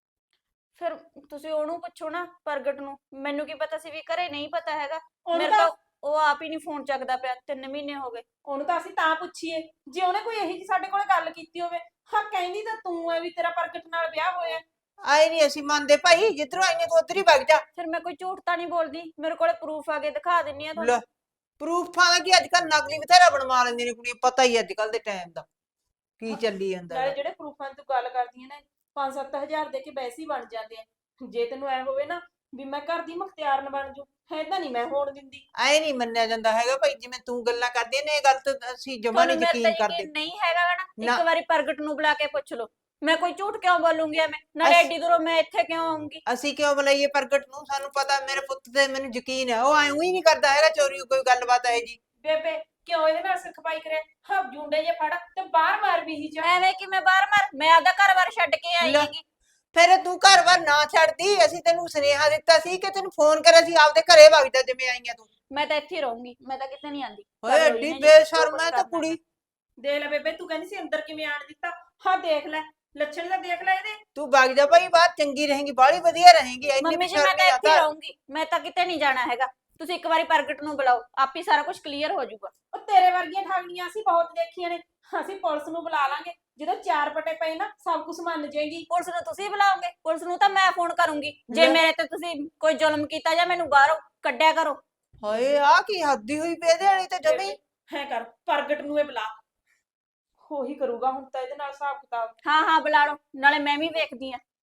S1: ਫਿਰ ਤੁਸੀਂ ਉਹਨੂੰ ਪੁੱਛੋ ਨਾ ਪ੍ਰਗਟ ਨੂੰ, ਮੈਨੂੰ ਕੀ ਪਤਾ ਸੀ ਵੀ ਘਰੇ ਨਹੀਂ ਪਤਾ ਹੈਗਾ।
S2: ਉਹਨੂੰ
S1: ਮੇਰੇ
S2: ਤਾਂ
S1: ਤਾਂ ਉਹ ਆਪ ਹੀ ਨਹੀਂ ਫੋਨ ਚੱਕਦਾ ਪਿਆ, 3 ਮਹੀਨੇ ਹੋ ਗਏ।
S2: ਉਹਨੂੰ ਤਾਂ ਅਸੀਂ ਤਾਂ ਪੁੱਛੀਏ ਜੇ ਉਹਨੇ ਕੋਈ ਇਹੀ ਜੀ ਸਾਡੇ ਕੋਲੇ ਗੱਲ ਕੀਤੀ ਹੋਵੇ। ਹਾਂ, ਕਹਿੰਦੀ ਤਾਂ ਤੂੰ ਐ ਵੀ ਤੇਰਾ ਪ੍ਰਗਟ ਨਾਲ ਵਿਆਹ ਹੋਇਆ।
S3: ਆਏ ਨਹੀਂ ਅਸੀਂ ਮੰਨਦੇ ਭਾਈ, ਜਿੱਧਰੋਂ ਆਈਆਂ ਤੂੰ ਉਧਰ ਹੀ ਵਗ ਜਾ।
S1: ਫਿਰ ਮੈਂ ਕੋਈ ਝੂਠ ਤਾਂ ਨਹੀਂ ਬੋਲਦੀ, ਮੇਰੇ ਕੋਲੇ ਪ੍ਰੂਫ ਆ ਕੇ ਦਿਖਾ ਦਿੰਨੀ ਆ
S3: ਲੈ
S1: ਤੁਹਾਨੂੰ।
S3: ਪ੍ਰੂਫਾਂ ਦਾ ਕੀ, ਅੱਜ ਕੱਲ ਨਕਲੀ ਬਥੇਰਾ ਬਣਵਾ ਲੈਂਦੀਆਂ ਨੇ ਕੁੜੀਆਂ, ਪਤਾ ਹੀ ਅੱਜ ਕੱਲ ਦੇ ਟਾਈਮ ਦਾ ਕੀ ਚੱਲੀ ਜਾਂਦਾ
S2: ਨਾਲੇ
S3: ਗਾ।
S2: ਜਿਹੜੇ ਪ੍ਰੂਫਾਂ ਦੀ ਤੂੰ ਗੱਲ ਕਰਦੀ ਹੈ ਨਾ, 5-7 ਹਜ਼ਾਰ ਦੇ ਕੇ ਵੈਸੇ ਹੀ ਬਣ ਜਾਂਦੇ ਆ। ਜੇ ਤੈਨੂੰ ਐ ਹੋਵੇ ਨਾ ਵੀ ਮੈਂ ਘਰ ਦੀ ਮੁਖਤਿਆਰਨ ਬਣ ਜੂ, ਏਦਾਂ ਨਹੀਂ ਮੈਂ ਹੋਣ ਦਿੰਦੀ।
S3: ਐ ਨਹੀਂ ਮੰਨਿਆ ਜਾਂਦਾ ਹੈਗਾ ਭਾਈ, ਜਿਵੇਂ ਤੂੰ ਗੱਲਾਂ ਕਰਦੀ ਐ ਨੇ, ਇਹ ਗੱਲ ਤੇ ਅਸੀਂ ਜਮਾ
S1: ਤੁਹਾਨੂੰ
S3: ਨਹੀਂ
S1: ਮੇਰੇ ਤੇ
S3: ਯਕੀਨ ਕਰਦੇ।
S1: ਯਕੀਨ ਨਹੀਂ ਹੈਗਾ ਗਾ ਨਾ,
S3: ਨਾ।
S1: ਇੱਕ ਵਾਰੀ ਪ੍ਰਗਟ ਨੂੰ ਬੁਲਾ ਕੇ ਪੁੱਛ ਲਓ। ਮੈਂ ਕੋਈ ਝੂਠ ਕਿਉਂ ਬੋਲੂੰਗੀ ਐਵੇਂ? ਨਾਲੇ
S3: ਅਸ-
S1: ਐਡੀ ਦੂਰੋਂ ਮੈਂ ਇੱਥੇ ਕਿਉਂ ਆਉਂਗੀ?
S3: ਅਸੀਂ ਕਿਉਂ ਬੁਲਾਈਏ ਪ੍ਰਗਟ ਨੂੰ? ਸਾਨੂੰ ਪਤਾ, ਮੇਰੇ ਪੁੱਤ ਤੇ ਮੈਨੂੰ ਯਕੀਨ ਹੈ, ਉਹ ਐਂ ਹੀ ਨਹੀਂ ਕਰਦਾ ਹੈਗਾ ਚੋਰੀ ਕੋਈ ਗੱਲਬਾਤ ਹੈ ਜੀ।
S2: ਬੇਬੇ ਕਿਉਂ ਇਹਦੇ ਨਾਲ ਸਿਰ ਖਪਾਈ ਕਰਿਆ? ਹਾਂ, ਜੁੰਡੇ ਜੇ ਫੜ ਤੇ ਬਾਹਰ ਮਾਰ ਵੀ ਜਾ।
S1: ਐਵੇਂ ਕਿ ਮੈਂ ਬਾਹਰ ਮਾਰ, ਮੈਂ ਆਪਦਾ ਘਰ-ਬਾਰ ਛੱਡ ਕੇ ਆਈ
S3: ਲੈ,
S1: ਹੈਗੀ।
S3: ਫਿਰ ਤੂੰ ਘਰ-ਬਾਰ ਨਾ ਛੱਡਦੀ, ਅਸੀਂ ਤੈਨੂੰ ਸੁਨੇਹਾ ਦਿੱਤਾ ਸੀ ਕਿ ਤੈਨੂੰ ਫੋਨ ਕਰਿਆ ਸੀ ਆਪਦੇ ਘਰੇ ਵਗ ਜਾ ਜਿਵੇਂ ਆਈਆਂ ਤੂੰ।
S1: ਮੈਂ ਤਾਂ ਇੱਥੇ ਹੀ ਰਹੂੰਗੀ, ਮੈਂ ਤਾਂ ਕਿਤੇ ਨਹੀਂ ਆਂਦੀ।
S3: ਓਏ ਐਡੀ ਬੇਸ਼ਰਮ ਹੈ ਤਾਂ ਕੁੜੀ।
S2: ਦੇਖ ਲੈ ਬੇਬੇ, ਤੂੰ ਕਹਿੰਦੀ ਸੀ ਅੰਦਰ ਕਿਵੇਂ ਆਣ ਦਿੱਤਾ। ਹਾਂ ਦੇਖ ਲੈ, ਲੱਛਣ ਤਾਂ ਦੇਖ ਲੈ ਇਹਦੇ।
S3: ਤੂੰ ਵਗ ਜਾ ਭਾਈ, ਬਾਤ ਚੰਗੀ ਰਹੇਗੀ, ਬਾਹਲੀ ਵਧੀਆ ਰਹੇਗੀ। ਇੰਨੀ
S1: ਮੰਮੀ ਜੀ ਮੈਂ
S3: ਬੇਸ਼ਰਮੀ
S1: ਤਾਂ ਇੱਥੇ ਹੀ
S3: ਆਤਾ।
S1: ਰਹੂੰਗੀ, ਮੈਂ ਤਾਂ ਕਿਤੇ ਨਹੀਂ ਜਾਣਾ ਹੈਗਾ। ਤੁਸੀਂ ਇੱਕ ਵਾਰੀ ਪ੍ਰਗਟ ਨੂੰ ਬੁਲਾਓ, ਆਪ ਹੀ ਸਾਰਾ ਕੁਝ ਕਲੀਅਰ ਹੋ ਜਾਊਗਾ।
S2: ਉਹ ਤੇਰੇ ਵਰਗੀਆਂ ਠਾਗਣੀਆਂ ਅਸੀਂ ਬਹੁਤ ਦੇਖੀਆਂ ਨੇ। ਅਸੀਂ ਪੁਲਿਸ ਨੂੰ ਬੁਲਾ ਲਾਂਗੇ, ਜਦੋਂ 4 ਪਟੇ ਪਏ ਨਾ ਸਭ ਕੁਝ ਮੰਨ ਜਾਏਗੀ।
S1: ਪੁਲਿਸ ਨੂੰ ਤੁਸੀਂ ਬੁਲਾਓਗੇ? ਪੁਲਿਸ ਨੂੰ ਤਾਂ ਮੈਂ ਫੋਨ ਕਰੂੰਗੀ ਜੇ
S3: ਲੈ।
S1: ਮੇਰੇ ਤੇ ਤੁਸੀਂ ਕੋਈ ਜ਼ੁਲਮ ਕੀਤਾ ਜਾਂ ਮੈਨੂੰ ਬਾਹਰੋਂ ਕੱਢਿਆ ਕਰੋ।
S3: ਹਾਏ ਆ ਕੀ ਹੱਦੀ ਹੋਈ ਪਈ ਇਹਦੇ ਵਾਲੀ ਤੇ ਜਮੀ।
S2: ਹੈ ਕਰ, ਪ੍ਰਗਟ ਨੂੰ ਇਹ ਬੁਲਾ, ਉਹੀ ਕਰੂਗਾ ਹੁਣ ਤਾਂ ਇਹਦੇ ਨਾਲ ਹਿਸਾਬ ਕਿਤਾਬ।
S1: ਹਾਂ ਹਾਂ ਬੁਲਾ ਲਓ, ਨਾਲੇ ਮੈਂ ਵੀ ਵੇਖਦੀ ਆ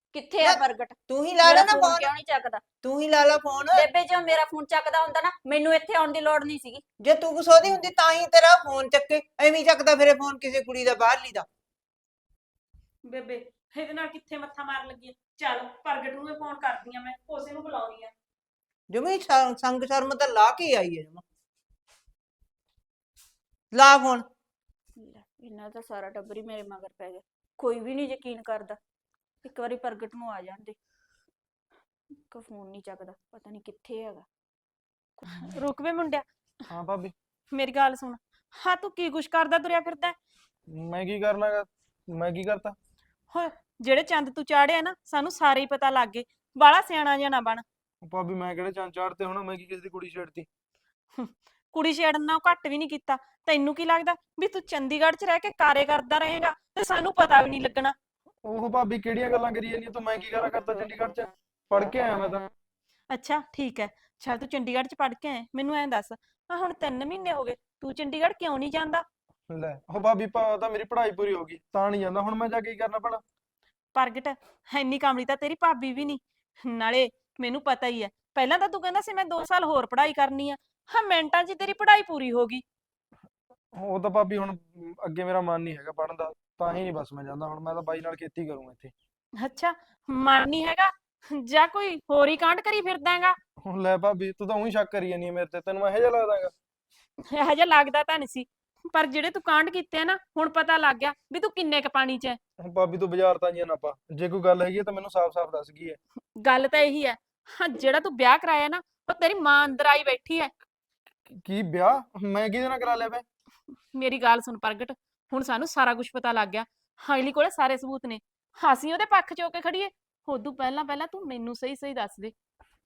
S1: ਕਿੱਥੇ ਆ
S3: ਲੈ,
S1: ਪ੍ਰਗਟ?
S3: ਤੂੰ ਹੀ ਲਾ
S1: ਮੇਰਾ
S3: ਲੈ ਨਾ
S1: ਫੋਨ
S3: ਫੋਨ,
S1: ਕਿਉਂ ਨਹੀਂ ਚੱਕਦਾ?
S3: ਤੂੰ ਹੀ ਲਾ ਲਾ ਫੋਨ।
S1: ਬੇਬੇ ਜੋ ਮੇਰਾ ਫੋਨ ਚੱਕਦਾ ਹੁੰਦਾ ਨਾ, ਮੈਨੂੰ ਇੱਥੇ ਆਉਣ ਦੀ ਲੋੜ ਨਹੀਂ ਸੀਗੀ।
S3: ਜੇ ਤੂੰ ਗੁੱਸੋਦੀ ਹੁੰਦੀ ਤਾਂ ਹੀ ਤੇਰਾ ਫੋਨ ਚੱਕੇ, ਐਵੇਂ ਹੀ ਚੱਕਦਾ ਫਿਰੇ ਫੋਨ ਕਿਸੇ ਕੁੜੀ ਦਾ ਬਾਹਰਲੀ ਦਾ।
S2: ਬੇਬੇ ਇਹਦੇ ਨਾਲ ਕਿੱਥੇ ਮੱਥਾ ਮਾਰਨ ਲੱਗੀ ਆ? ਚੱਲ ਪ੍ਰਗਟ ਨੂੰ ਫੋਨ ਕਰਦੀ ਆ, ਮੈਂ ਉਸੇ ਨੂੰ ਬੁਲਾਉਣੀ ਆ।
S3: ਜਮੀ ਸੰਗ ਸ਼ਰਮ ਤਾਂ ਲਾ ਕੇ ਆਈ ਹੈ ਜਮਾ। ਲਾ ਫੋਨ।
S1: ਲੈ, ਇਹਨਾਂ ਦਾ ਸਾਰਾ ਟੱਬਰ ਹੀ ਮੇਰੇ ਮਗਰ ਪੈ ਗਿਆ, ਕੋਈ ਵੀ ਨਹੀਂ ਯਕੀਨ ਕਰਦਾ। ਇੱਕ ਵਾਰੀ ਪ੍ਰਗਟ ਨੂੰ ਆ ਜਾਂਦੇ। ਇੱਕ ਫੋਨ ਨਹੀਂ ਚੱਕਦਾ, ਪਤਾ ਨਹੀਂ ਕਿੱਥੇ ਹੈਗਾ।
S2: ਰੁਕ ਵੇ ਮੁੰਡਿਆ,
S4: ਹਾਂ ਭਾਬੀ,
S2: ਮੇਰੀ ਗੱਲ ਸੁਣ। ਹਾਂ ਤੂੰ ਕੀ ਕੁਛ ਕਰਦਾ ਤੁਰਿਆ ਫਿਰਦਾ?
S4: ਮੈਂ ਕੀ ਕਰਨਾਗਾ? ਮੈਂ ਕੀ ਕਰਤਾ?
S2: ਹੋ ਜਿਹੜੇ ਚੰਦ ਤੂੰ ਚਾੜਿਆ ਨਾ, ਸਾਨੂੰ ਸਾਰੇ ਹੀ ਪਤਾ ਲੱਗ ਗਏ। ਬਾਲਾ ਸਿਆਣਾ ਜਿਹਾ ਨਾ ਬਣ।
S4: ਭਾਬੀ ਮੈਂ ਕਿਹੜੇ ਚੰਨ ਚਾੜਤੇ ਹੁਣ? ਮੈਂ ਕੀ ਕਿਸੇ ਦੀ ਕੁੜੀ ਛੇੜਤੀ?
S2: ਕੁੜੀ ਛੇੜਨ ਨਾਲ ਘੱਟ ਵੀ ਨਹੀਂ ਕੀਤਾ। ਤੈਨੂੰ ਕੀ ਲੱਗਦਾ ਵੀ ਤੂੰ ਚੰਡੀਗੜ੍ਹ 'ਚ ਰਹਿ ਕੇ ਕਾਰੇ ਕਰਦਾ ਰਹੇਗਾ ਤੇ ਸਾਨੂੰ ਪਤਾ ਵੀ ਨਹੀਂ ਲੱਗਣਾ?
S4: ਉਹ ਭਾਬੀ ਕਿਹੜੀਆਂ ਗੱਲਾਂ ਕਰੀ ਜਾਂਦੀ ਤੂੰ? ਮੈਂ ਕੀ ਕਰਾਂ ਕਰਤਾ ਚੰਡੀਗੜ੍ਹ 'ਚ? ਪੜ ਕੇ ਆਇਆ ਮੈਂ ਤਾਂ।
S2: ਅੱਛਾ ਠੀਕ ਹੈ, ਚੱਲ ਤੂੰ ਚੰਡੀਗੜ੍ਹ 'ਚ ਪੜ੍ਹ ਕੇ ਆਇਆ, ਮੈਨੂੰ ਐਂ ਦੱਸ ਆ ਹੁਣ 3 ਮਹੀਨੇ ਹੋ ਗਏ, ਤੂੰ ਚੰਡੀਗੜ੍ਹ ਕਿਉਂ ਨਹੀਂ ਜਾਂਦਾ?
S4: ਲੈ ਉਹ ਭਾਬੀ ਤਾਂ ਮੇਰੀ ਪੜ੍ਹਾਈ ਪੂਰੀ ਹੋ ਗਈ ਤਾਂ ਨਹੀਂ ਜਾਂਦਾ। ਹੁਣ ਮੈਂ ਜਾ ਕੇ ਕੀ ਕਰਨਾ ਭਲਾ?
S2: ਪ੍ਰਗਟ ਇੰਨੀ ਕਾਮਲੀ ਤਾਂ ਤੇਰੀ ਭਾਬੀ ਵੀ ਨਹੀਂ। ਨਾਲੇ ਮੈਨੂੰ ਪਤਾ ਹੀ ਹੈ, ਪਹਿਲਾਂ ਤਾਂ ਤੂੰ ਕਹਿੰਦਾ ਸੀ ਮੈਂ 2 ਸਾਲ ਹੋਰ ਪੜ੍ਹਾਈ ਕਰਨੀ ਆ। ਹਾਂ ਮਿੰਟਾਂ 'ਚ ਹੀ ਤੇਰੀ ਪੜ੍ਹਾਈ ਪੂਰੀ ਹੋ ਗਈ।
S4: ਉਹ ਤਾਂ ਭਾਬੀ ਹੁਣ ਅੱਗੇ ਮੇਰਾ ਮਨ ਨਹੀਂ ਹੈਗਾ ਪੜ੍ਹਨ ਦਾ, ਤਾਂ ਹੀ ਨਹੀਂ ਬਸ ਮੈਂ ਜਾਂਦਾ। ਹੁਣ ਮੈਂ ਤਾਂ ਬਾਈ ਨਾਲ ਖੇਤੀ ਕਰੂੰਗਾ ਇੱਥੇ।
S2: ਅੱਛਾ ਮਨ ਨਹੀਂ ਹੈਗਾ ਜਾਂ ਕੋਈ ਹੋਰ ਹੀ ਕਾਂਡ ਕਰੀ ਫਿਰਦਾ ਹੈਗਾ?
S4: ਹੁਣ ਲੈ ਭਾਬੀ ਤੂੰ ਤਾਂ ਉਹੀ ਸ਼ੱਕ ਕਰੀ ਜਾਂਦੀ ਹੈ ਮੇਰੇ ਤੇ। ਤੈਨੂੰ ਇਹੋ ਜਿਹਾ ਲੱਗਦਾਗਾ?
S2: ਇਹੋ ਜਿਹਾ ਲੱਗਦਾ ਤਾਂ ਨਹੀਂ ਸੀ, ਪਰ ਜਿਹੜੇ ਤੂੰ ਕਾਂਡ ਕੀਤੇ ਆ ਨਾ, ਹੁਣ ਪਤਾ ਲੱਗ ਗਿਆ ਵੀ ਤੂੰ ਕਿੰਨੇ ਕ ਪਾਣੀ 'ਚ ਹੈ।
S4: ਹੁਣ ਭਾਬੀ ਤੂੰ ਬਾਜ਼ਾਰ ਤਾਂ ਨਾ ਪਾ। ਜੇ ਕੋਈ ਗੱਲ ਹੈਗੀ ਹੈ ਤਾਂ ਮੈਨੂੰ ਸਾਫ਼-ਸਾਫ਼ ਦੱਸ ਕੀ ਹੈ।
S2: ਗੱਲ ਤਾਂ ਇਹੀ ਹੈ, ਹਾਂ ਜਿਹੜਾ ਤੂੰ ਵਿਆਹ ਕਰਾਇਆ ਨਾ, ਉਹ ਤੇਰੀ ਮਾਂ ਅੰਦਰ ਆਈ ਬੈਠੀ ਹੈ।
S4: ਕੀ ਵਿਆਹ? ਮੈਂ ਕਿਹਦੇ ਨਾਲ ਕਰਾ ਲਿਆ ਵੇ?
S2: ਮੇਰੀ ਗੱਲ ਸੁਣ ਪ੍ਰਗਟ, ਹੁਣ ਸਾਨੂੰ ਸਾਰਾ ਕੁਝ ਪਤਾ ਲੱਗ ਗਿਆ। ਹਾਈਲੀ ਕੋਲੇ ਸਾਰੇ ਸਬੂਤ ਨੇ, ਅਸੀਂ ਉਹਦੇ ਪੱਖ 'ਚ ਹੋ ਕੇ ਖੜੀਏ। ਉਦੋਂ ਪਹਿਲਾਂ ਤੂੰ ਮੈਨੂੰ ਸਹੀ ਦੱਸ ਦੇ।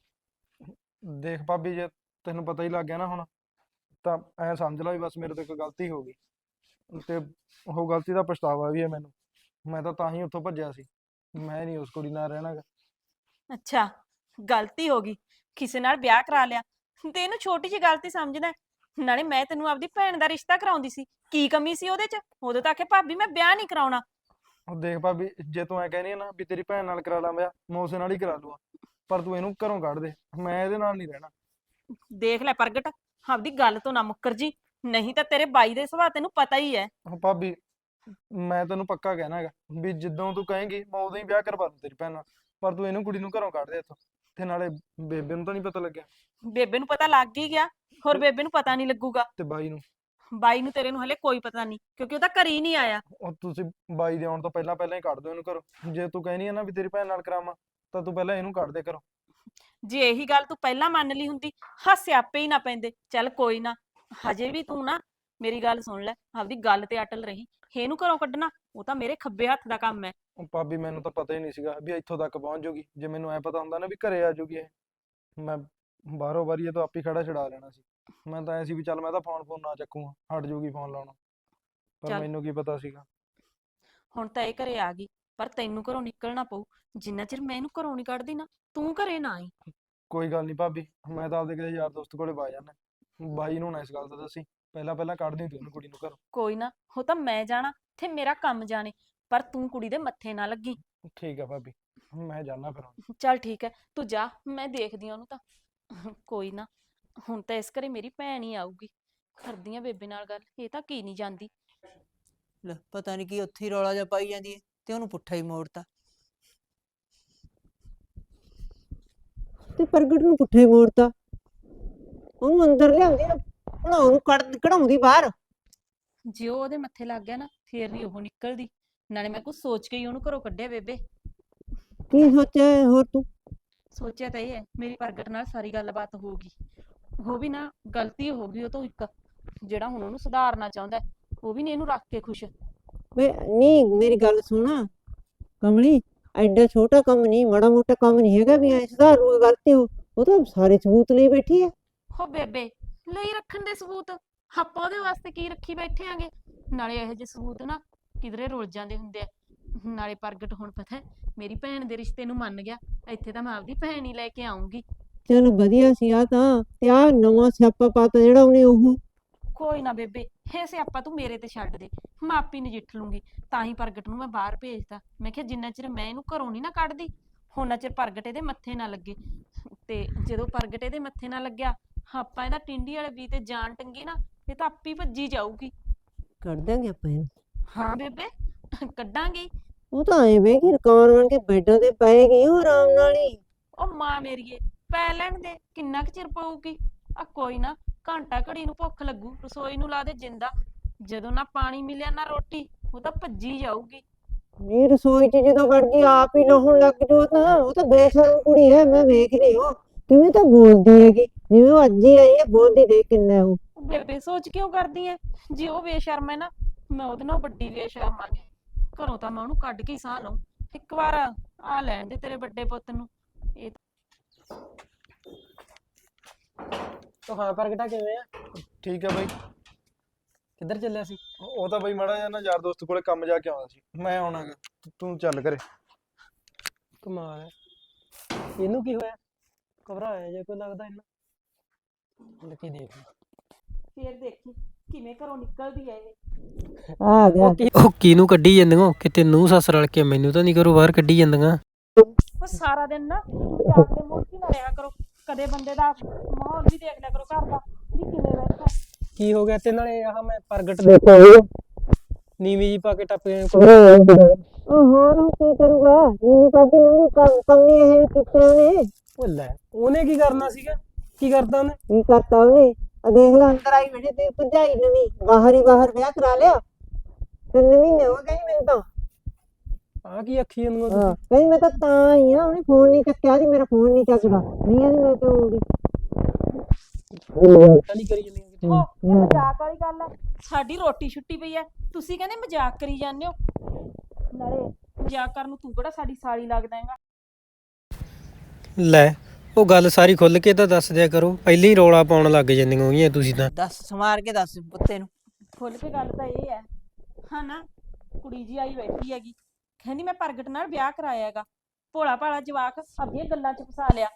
S4: ਦੇਖ ਭਾਬੀ, ਜੇ ਤੈਨੂੰ ਪਤਾ ਹੀ ਲੱਗ ਗਿਆ ਨਾ ਹੁਣ, ਤਾਂ ਐ ਸਮਝ ਲੈ ਵੀ ਬਸ ਮੇਰੇ ਤੋਂ ਇੱਕ ਗਲਤੀ ਹੋ ਗਈ ਤੇ ਉਹ ਗਲਤੀ ਦਾ ਪਛਤਾਵਾ ਵੀ ਹੈ ਮੈਨੂੰ। ਮੈਂ ਤਾਂ ਹੀ ਉੱਥੋਂ ਭੱਜਿਆ ਸੀ। ਮੈਂ ਨਹੀਂ ਉਸ ਕੁੜੀ ਨਾਲ ਰਹਿਣਾ ਗਾ।
S2: ਅੱਛਾ ਗਲਤੀ ਹੋ ਗਈ, ਕਿਸੇ ਨਾਲ ਵਿਆਹ ਕਰਾ ਲਿਆ ਤੇ ਇਹਨੂੰ ਛੋਟੀ ਜਿਹੀ ਗਲਤੀ ਸਮਝਦਾ ਹੈ। ਨਾਲੇ ਮੈਂ ਤੈਨੂੰ ਆਪਦੀ ਭੈਣ ਦਾ ਰਿਸ਼ਤਾ ਕਰਾਉਂਦੀ ਸੀ, ਕੀ ਕਮੀ ਸੀ ਉਹਦੇ 'ਚ? ਉਦੋਂ ਤੱਕ ਭਾਬੀ ਮੈਂ ਵਿਆਹ ਨਹੀਂ ਕਰਾਉਣਾ।
S4: ਉਹ ਦੇਖ ਭਾਬੀ, ਜੇ ਤੂੰ ਐ ਕਹਿੰਦੀ ਹੈ ਨਾ ਵੀ ਤੇਰੀ ਭੈਣ ਨਾਲ ਕਰਾ ਲਾਂ ਵਿਆਹ, ਮੈਂ ਉਸੇ ਨਾਲ ਹੀ ਕਰਾ ਲੂਆ। ਪਰ ਤੂੰ ਇਹਨੂੰ ਘਰੋਂ ਕੱਢ ਦੇ, ਮੈਂ ਇਹਦੇ ਨਾਲ ਨਹੀਂ ਰਹਿਣਾ।
S2: ਦੇਖ ਲੈ ਪ੍ਰਗਟ, ਆਪਦੀ ਗੱਲ ਤੋਂ ਨਾ ਮੁੱਕਰ ਜੀ, ਨਹੀਂ ਤਾਂ ਤੇਰੇ ਬਾਈ ਦੇ ਸੁਭਾਅ ਤੈਨੂੰ ਪਤਾ ਹੀ ਹੈ।
S4: ਉਹ ਭਾਬੀ ਮੈਂ ਤੈਨੂੰ ਪੱਕਾ ਕਹਿਣਾ ਹੈਗਾ ਵੀ ਜਦੋਂ ਤੂੰ ਕਹੇਂਗੀ ਮੈਂ ਉਦੋਂ ਹੀ ਵਿਆਹ ਕਰਵਾ ਦੂੰ ਤੇਰੀ ਭੈਣ ਨਾਲ। ਪਰ ਤੂੰ ਇਹਨੂੰ ਕੁੜੀ ਨੂੰ ਘਰੋਂ ਕੱਢ ਦੇ ਇੱਥੋਂ। ਤੇ ਨਾਲੇ ਬੇਬੇ ਨੂੰ ਤਾਂ ਨਹੀਂ ਪਤਾ ਲੱਗਿਆ?
S2: ਬੇਬੇ ਨੂੰ ਪਤਾ ਲੱਗ ਹੀ ਗਿਆ, ਹੋਰ ਬੇਬੇ ਨੂੰ ਪਤਾ ਨਹੀਂ ਲੱਗੂਗਾ?
S4: ਤੇ ਬਾਈ ਨੂੰ?
S2: ਬਾਈ ਨੂੰ ਤੇਰੇ ਨੂੰ ਹਲੇ ਕੋਈ ਪਤਾ ਨਹੀਂ, ਕਿਉਂਕਿ ਉਹ ਤਾਂ ਘਰੇ ਹੀ ਨਹੀਂ ਆਇਆ।
S4: ਉਹ ਤੁਸੀਂ ਬਾਈ ਦੇ ਆਉਣ ਤੋਂ ਪਹਿਲਾਂ ਹੀ ਕੱਢ ਦਿਓ ਇਹਨੂੰ ਘਰੋਂ। ਜੇ ਤੂੰ ਕਹਿਨੀ ਹੈ ਨਾ ਵੀ ਤੇਰੀ ਭੈਣ ਨਾਲ ਕਰਾਵਾਂ, ਤਾਂ ਤੂੰ ਪਹਿਲਾਂ ਇਹਨੂੰ ਕੱਢ ਦੇ ਘਰੋਂ।
S2: ਜੇ ਇਹੀ ਗੱਲ ਤੂੰ ਪਹਿਲਾਂ ਮੰਨ ਲਈ ਹੁੰਦੀ, ਹਾਸੇ ਆਪੇ ਹੀ ਨਾ ਪੈਂਦੇ। ਚੱਲ ਕੋਈ ਨਾ, ਹਜੇ ਵੀ ਤੂੰ ਨਾ ਮੇਰੀ ਗੱਲ ਸੁਣ ਲੈ, ਆਪਦੀ ਗੱਲ ਤੇ ਅਟਲ ਰਹੀ। ਇਹਨੂੰ ਘਰੋਂ ਕੱਢਣਾ ਉਹ ਤਾਂ ਮੇਰੇ ਖੱਬੇ ਹੱਥ ਦਾ ਕੰਮ ਹੈ।
S4: ਉਹ ਭਾਬੀ ਮੈਨੂੰ ਤਾਂ ਪਤਾ ਹੀ ਨਹੀਂ ਸੀਗਾ ਵੀ ਇੱਥੋਂ ਤੱਕ ਪਹੁੰਚ ਜਾਊਗੀ। ਜੇ ਮੈਨੂੰ ਐ ਪਤਾ ਹੁੰਦਾ ਨਾ ਵੀ ਘਰੇ ਆ ਜਾਊਗੀ ਇਹ, ਮੈਂ ਬਾਹਰੋਂ ਬਾਰੀ ਇਹ ਤੋਂ ਆਪੀ ਖੜਾ ਛਡਾ ਲੈਣਾ ਸੀ। ਮੈਂ ਤਾਂ ਐ ਸੀ ਵੀ ਚੱਲ ਮੈਂ ਤਾਂ ਫੋਨ ਨਾ ਚੱਕੂਗਾ, ਹਟ ਜਾਊਗੀ ਫੋਨ ਲਾਉਣਾ। ਪਰ
S2: ਚੱਲ।
S4: ਮੈਨੂੰ ਕੀ ਪਤਾ ਸੀਗਾ।
S2: ਹੁਣ ਤਾਂ ਇਹ ਘਰੇ ਆ ਗਈ, ਪਰ ਤੈਨੂੰ ਘਰੋਂ ਨਿਕਲਣਾ ਪਊ। ਜਿੰਨਾ ਚਿਰ ਮੈਂ ਇਹਨੂੰ ਘਰੋਂ ਨਹੀਂ ਕੱਢਦੀ ਨਾ, ਤੂੰ ਘਰੇ ਨਾ ਆਈ।
S4: ਕੋਈ ਗੱਲ ਨਹੀਂ ਭਾਬੀ, ਮੈਂ ਤਾਂ ਆਪਦੇ ਕਿਸੇ ਯਾਰ ਦੋਸਤ ਕੋਲੇ ਵਗ ਜਾਣਾ। ਬਾਈ ਨੂੰ ਨਾ ਇਸ ਗੱਲ ਦਾ ਦੱਸੀ, ਪਹਿਲਾਂ ਕੱਢ ਦੀ ਤੂੰ ਉਹਨੂੰ ਕੁੜੀ ਨੂੰ ਘਰੋਂ।
S2: ਕੋਈ ਨਾ, ਉਹ ਤਾਂ ਮੈਂ ਜਾਣਾ ਤੇ ਮੇਰਾ ਕੰਮ ਜਾਣੇ, ਪਰ ਤੂੰ ਕੁੜੀ ਦੇ ਮੱਥੇ ਨਾ ਲੱਗੀ।
S4: ਠੀਕ ਆ ਭਾਬੀ, ਮੈਂ ਜਾਣਾ ਫਿਰ ਹੁਣ।
S2: ਚੱਲ ਠੀਕ ਹੈ, ਤੂੰ ਜਾ, ਮੈਂ ਦੇਖਦੀ ਆ ਉਹਨੂੰ ਤਾਂ। ਕੋਈ ਨਾ, ਹੁਣ ਤਾਂ ਇਸ ਘਰੇ ਮੇਰੀ ਭੈਣ ਹੀ ਆਊਗੀ। ਕਰਦੀ ਆ ਬੇਬੇ ਨਾਲ ਗੱਲ, ਇਹ ਤਾਂ ਕੀ ਨਹੀਂ ਜਾਂਦੀ।
S3: ਲੈ ਪਤਾ ਨਹੀਂ ਕੀ ਉੱਥੇ ਹੀ ਰੌਲਾ ਜਿਹਾ ਪਾਈ ਜਾਂਦੀ ਹੈ ਤੇ ਉਹਨੂੰ ਪੁੱਠਾ ਹੀ ਮੋੜਤਾ। ਤੇ ਪ੍ਰਗਟ ਨੂੰ ਪੁੱਠਾ ਹੀ ਮੋੜਤਾ, ਉਹਨੂੰ ਅੰਦਰ ਲਿਆਉਂਦੀ ਨਾ, ਉਹਨੂੰ ਕਢਾਉਂਦੀ ਬਾਹਰ।
S2: ਜੇ ਉਹ ਉਹਦੇ ਮੱਥੇ ਲੱਗ ਗਿਆ ਨਾ, ਫੇਰ ਨਹੀਂ ਉਹ ਨਿਕਲਦੀ। ਨਾਲੇ ਮੈਂ ਕੁਝ ਸੋਚ ਕੇ ਹੀ ਉਹਨੂੰ ਘਰੋਂ ਕੱਢਿਆ ਬੇਬੇ।
S3: ਕੀ ਸੋਚਿਆ ਹੈ ਹੋਰ ਤੂੰ?
S2: ਸੋਚਿਆ ਤਾਂ ਇਹ ਹੈ, ਮੇਰੀ ਪ੍ਰਗਟ ਨਾਲ ਸਾਰੀ ਗੱਲਬਾਤ ਹੋਊਗੀ। ਉਹ ਵੀ ਨਾ ਗਲਤੀ ਹੋ ਗਈ ਉਹ ਤੋਂ ਇੱਕ, ਜਿਹੜਾ ਹੁਣ ਉਹਨੂੰ ਸੁਧਾਰਨਾ ਚਾਹੁੰਦਾ ਹੈ, ਉਹ ਵੀ ਨਹੀਂ ਇਹਨੂੰ ਰੱਖ ਕੇ ਖੁਸ਼।
S3: ਵੇ ਨਹੀਂ, ਮੇਰੀ ਗੱਲ ਸੁਣ ਕਮਲੀ, ਐਡਾ ਛੋਟਾ ਕੰਮ ਨਹੀਂ, ਮਾੜਾ ਮੋਟਾ ਕੰਮ ਨਹੀਂ ਹੈਗਾ ਵੀ ਐ ਸੁਧਾਰੂ ਗਲਤੀ ਹੋ। ਉਹ ਤਾਂ ਸਾਰੇ ਸਬੂਤ ਲਈ ਬੈਠੀ ਹੈ।
S2: ਹੋ ਬੇਬੇ, ਲਈ ਰੱਖਣ ਦੇ ਸਬੂਤ ਆਪਾਂ ਉਹਦੇ ਵਾਸਤੇ ਕੀ ਰੱਖੀ ਬੈਠੇ ਆਂਗੇ? ਨਾਲੇ ਇਹੋ ਜਿਹੇ ਸਬੂਤ ਨਾ ਕਿਧਰੇ ਰੁਲ ਜਾਂਦੇ ਹੁੰਦੇ ਆ। ਨਾਲੇ ਪ੍ਰਗਟ ਹੁਣ ਪਤਾ ਹੈ, ਮੇਰੀ ਭੈਣ ਦੇ ਰਿਸ਼ਤੇ ਨੂੰ ਮੰਨ ਗਿਆ। ਇੱਥੇ ਤਾਂ ਮੈਂ ਆਪਦੀ ਭੈਣ ਹੀ ਲੈ ਕੇ ਆਉਂਗੀ।
S3: ਚਲ ਵਧੀਆ ਸੀ ਆ ਤਾਂ, ਤੇ ਆ ਨਵਾਂ ਸਿਆਪਾ ਪਾਤਾ ਜਿਹੜਾ ਉਹਨੇ। ਉਹ
S2: ਕੋਈ ਨਾ ਬੇਬੇ, ਇਹ ਸਿਆਪਾ ਤੂੰ ਮੇਰੇ ਤੇ ਛੱਡ ਦੇ, ਮੈਂ ਆਪੇ ਨਜਿੱਠ ਲੂੰਗੀ। ਤਾਂ ਹੀ ਪ੍ਰਗਟ ਨੂੰ ਮੈਂ ਬਾਹਰ ਭੇਜਤਾ। ਮੈਂ ਕਿਹਾ ਜਿੰਨਾ ਚਿਰ ਮੈਂ ਇਹਨੂੰ ਘਰੋਂ ਨਹੀਂ ਨਾ ਕੱਢਦੀ, ਉਹਨਾਂ ਚਿਰ ਪ੍ਰਗਟ ਇਹਦੇ ਮੱਥੇ ਨਾ ਲੱਗੇ। ਤੇ ਜਦੋਂ ਪ੍ਰਗਟ ਇਹਦੇ ਮੱਥੇ ਨਾ ਲੱਗਿਆ, ਆਪਾਂ ਇਹਦਾ ਟਿੰਡੀ ਵਾਲੇ ਵੀ ਤੇ ਜਾਨ ਟੰਗੀ ਨਾ, ਇਹ ਤਾਂ ਆਪੇ ਭੱਜੀ ਜਾਊਗੀ।
S3: ਕੱਢ ਦਾਂਗੇ ਆਪਾਂ ਇਹਨੂੰ।
S2: ਹਾਂ ਬੇਬੇ, ਕੱਢਾਂਗੇ।
S3: ਉਹ ਤਾਂ ਐਵੇਂ ਕਿ ਰਕਾਨ ਬਣ ਕੇ ਬੈਡਾਂ ਤੇ ਪਏਗੀ ਉਹ ਆਰਾਮ ਨਾਲ ਹੀ।
S2: ਉਹ ਮਾਂ ਮੇਰੀਏ, ਪੈ ਲੈਣ ਦੇ, ਕਿੰਨਾ ਕੁ ਚਿਰ ਪਊਗੀ। ਆ ਕੋਈ ਨਾ, ਘੰਟਾ ਘੜੀ ਨੂੰ ਭੁੱਖ ਲੱਗੂ, ਰਸੋਈ ਨੂੰ ਲਾ ਦੇ ਜਿੰਦਾ। ਜਦੋਂ ਨਾ ਪਾਣੀ ਮਿਲਿਆ ਨਾ ਰੋਟੀ, ਉਹ ਤਾਂ ਭੱਜੀ ਜਾਊਗੀ।
S3: ਨੀ ਰਸੋਈ 'ਚ ਜਦੋਂ ਵੜ ਗਈ ਆਪ ਹੀ ਨਹਾਉਣ ਲੱਗ ਜਾਓ ਤਾਂ ਉਹ ਤਾਂ ਬੇਸ਼ਰਮ ਕੁੜੀ ਹੈ। ਮੈਂ ਵੇਖ ਰਹੀ ਹਾਂ ਕਿਵੇਂ ਤਾਂ ਬੋਲਦੀ ਹੈਗੀ, ਜਿਵੇਂ ਉਹ ਅੱਜ ਹੀ ਆਈ ਹੈ। ਬੋਲਦੀ ਦੇਖ ਕਿੰਨਾ ਉਹ।
S2: ਬੇਬੇ ਸੋਚ ਕਿਉਂ ਕਰਦੀ ਐ? ਜੇ ਉਹ ਬੇਸ਼ਰਮ ਹੈ ਨਾ, ਮੈਂ ਉਹਦੇ ਨਾਲ ਵੱਡੀ ਬੇਸ਼ਰਮ ਆ। ਘਰੋਂ ਤਾਂ ਮੈਂ ਉਹਨੂੰ ਕੱਢ ਕੇ ਹੀ ਸਾਹ ਲਊ। ਇੱਕ ਵਾਰ ਆ ਲੈਣ ਦੇ ਤੇਰੇ ਵੱਡੇ ਪੁੱਤ ਨੂੰ। ਇਹ
S5: ਤੋ ਹਾਂ ਪ੍ਰਗਟਾ ਕਿਵੇਂ ਆ?
S4: ਠੀਕ ਹੈ ਬਾਈ।
S5: ਕਿੱਧਰ ਚੱਲਿਆ ਸੀ?
S4: ਉਹ ਤਾਂ ਬਾਈ ਮਾੜਾ ਜਿਹਾ ਨਾ ਯਾਰ ਦੋਸਤ ਕੋਲੇ ਕੰਮ ਜਾ ਕੇ ਆਉਣਾ ਸੀ। ਮੈਂ ਆਉਣਾ ਗਾ, ਤੂੰ ਚੱਲ ਘਰੇ।
S5: ਕਮਾਲ ਹੈ, ਇਹਨੂੰ ਕੀ ਹੋਇਆ? ਘਬਰਾਇਆ ਜੇ ਕੋਈ ਲੱਗਦਾ ਇਹਨਾਂ। ਲੱਕੀ ਦੇਖ
S2: ਫੇਰ ਦੇਖੀ ਕਿਵੇਂ ਘਰੋਂ ਨਿਕਲਦੀ ਐ ਇਹ।
S3: ਆ ਗਿਆ।
S5: ਉਹ ਕਿਹਨੂੰ ਕੱਢੀ ਜਾਂਦੀਆਂ? ਕਿਤੇ ਨੂੰਹ ਸੱਸ ਰਲ ਕੇ ਮੈਨੂੰ ਤਾਂ ਨਹੀਂ ਕਰੋ ਬਾਹਰ ਕੱਢੀ ਜਾਂਦੀਆਂ।
S2: ਉਹ ਸਾਰਾ ਦਿਨ ਨਾ ਜਾਗਦੇ ਮੂਰਤੀ ਨਾ ਰਿਹਾ ਕਰੋ। ਕਦੇ ਬੰਦੇ ਦਾ ਮਾਹੌਲ ਵੀ ਦੇਖ ਲਿਆ ਕਰੋ ਘਰ ਦਾ, ਵੀ ਕਿਵੇਂ ਬੈਠਾ।
S5: ਕੀ ਹੋ ਗਿਆ? ਤੇ ਨਾਲੇ ਆਹ ਮੈਂ ਪ੍ਰਗਟ ਦੇਖੋ ਨੀਵੀਂ ਜੀ ਪਾ ਕੇ ਟੱਪ ਗਏ।
S3: ਉਹ ਹੋਰ ਉਹ ਕੀ ਕਰੂਗਾ? ਨੀਵੀਂ ਪਾ ਕੇ ਨੰਗੂ ਕੰਮ ਨਹੀਂ ਇਹ ਕੀਤੇ ਉਹਨੇ।
S5: ਉਹ ਲੈ, ਉਹਨੇ ਕੀ ਕਰਨਾ ਸੀਗਾ? ਕੀ ਕਰਦਾ ਉਹਨੇ?
S3: ਕੀ ਕਰਤਾ ਉਹਨੇ? ਆ ਦੇਖ ਲੈ ਅੰਦਰ ਆਈ ਬੈਠੀ ਤੇ ਭਰਜਾਈ ਨਵੀਂ ਬਾਹਰ ਹੀ ਬਾਹਰ ਵਿਆਹ ਕਰਾ ਲਿਆ। 3 ਮਹੀਨੇ ਹੋ ਗਏ ਮੈਨੂੰ ਤਾਂ।
S5: ਆਹ ਕੀ ਅੱਖੀ ਜਾਂਦੀਆਂ
S3: ਹਾਂ
S5: ਤੁਸੀਂ?
S3: ਕਹਿੰਦੀ ਮੈਂ ਤਾਂ ਆਈ ਆ, ਉਹਨੇ ਫੋਨ ਨਹੀਂ ਚੱਕਿਆ ਸੀ, ਮੇਰਾ ਫੋਨ ਨਹੀਂ ਚੱਕਦਾ। ਨਹੀਂ ਆਂਦੀ ਮੈਂ ਕਿਉਂ ਆਉਂਦੀ।
S5: ਪਤਾ ਨਹੀਂ ਕਰੀ ਜਾਂਦੀਆਂ ਕਿਤੇ।
S2: ਇਹ ਮਜ਼ਾਕ ਵਾਲੀ ਗੱਲ ਆ? ਸਾਡੀ ਰੋਟੀ ਛੁੱਟੀ ਪਈ ਆ, ਤੁਸੀਂ ਕਹਿੰਦੇ ਮਜ਼ਾਕ ਕਰੀ ਜਾਂਦੇ ਹੋ। ਨਾਲੇ ਮਜ਼ਾਕ ਕਰਨ ਨੂੰ ਤੂੰ ਕਿਹੜਾ ਸਾਡੀ ਸਾਲੀ ਲੱਗਦਾ ਹੈਗਾ।
S5: ਲੈ, ਉਹ ਗੱਲ ਸਾਰੀ ਖੁੱਲ ਕੇ ਤਾਂ ਦੱਸ ਦਿਆ ਕਰੋ। ਪਹਿਲਾਂ ਹੀ ਰੌਲਾ ਪਾਉਣ ਲੱਗ ਜਾਂਦੀਆਂ ਹੋਈਆਂ ਤੁਸੀਂ ਤਾਂ।
S3: ਦੱਸ ਸਮਾਰ ਕੇ ਦੱਸ ਪੁੱਤੇ ਨੂੰ।
S2: ਖੁੱਲ ਕੇ ਗੱਲ ਤਾਂ ਇਹ ਹੈ ਹਾਂ ਨਾ, ਕੁੜੀ ਜੀ ਆਈ ਬੈਠੀ ਹੈਗੀ, ਕਹਿੰਦੀ ਮੈਂ ਪ੍ਰਗਟ ਨਾਲ ਵਿਆਹ ਕਰਾਇਆ ਹੈਗਾ। ਭੋਲਾ ਭਾਲਾ ਜਵਾਕ ਆਪਣੀਆਂ ਗੱਲਾਂ 'ਚ ਫਸਾ ਲਿਆ।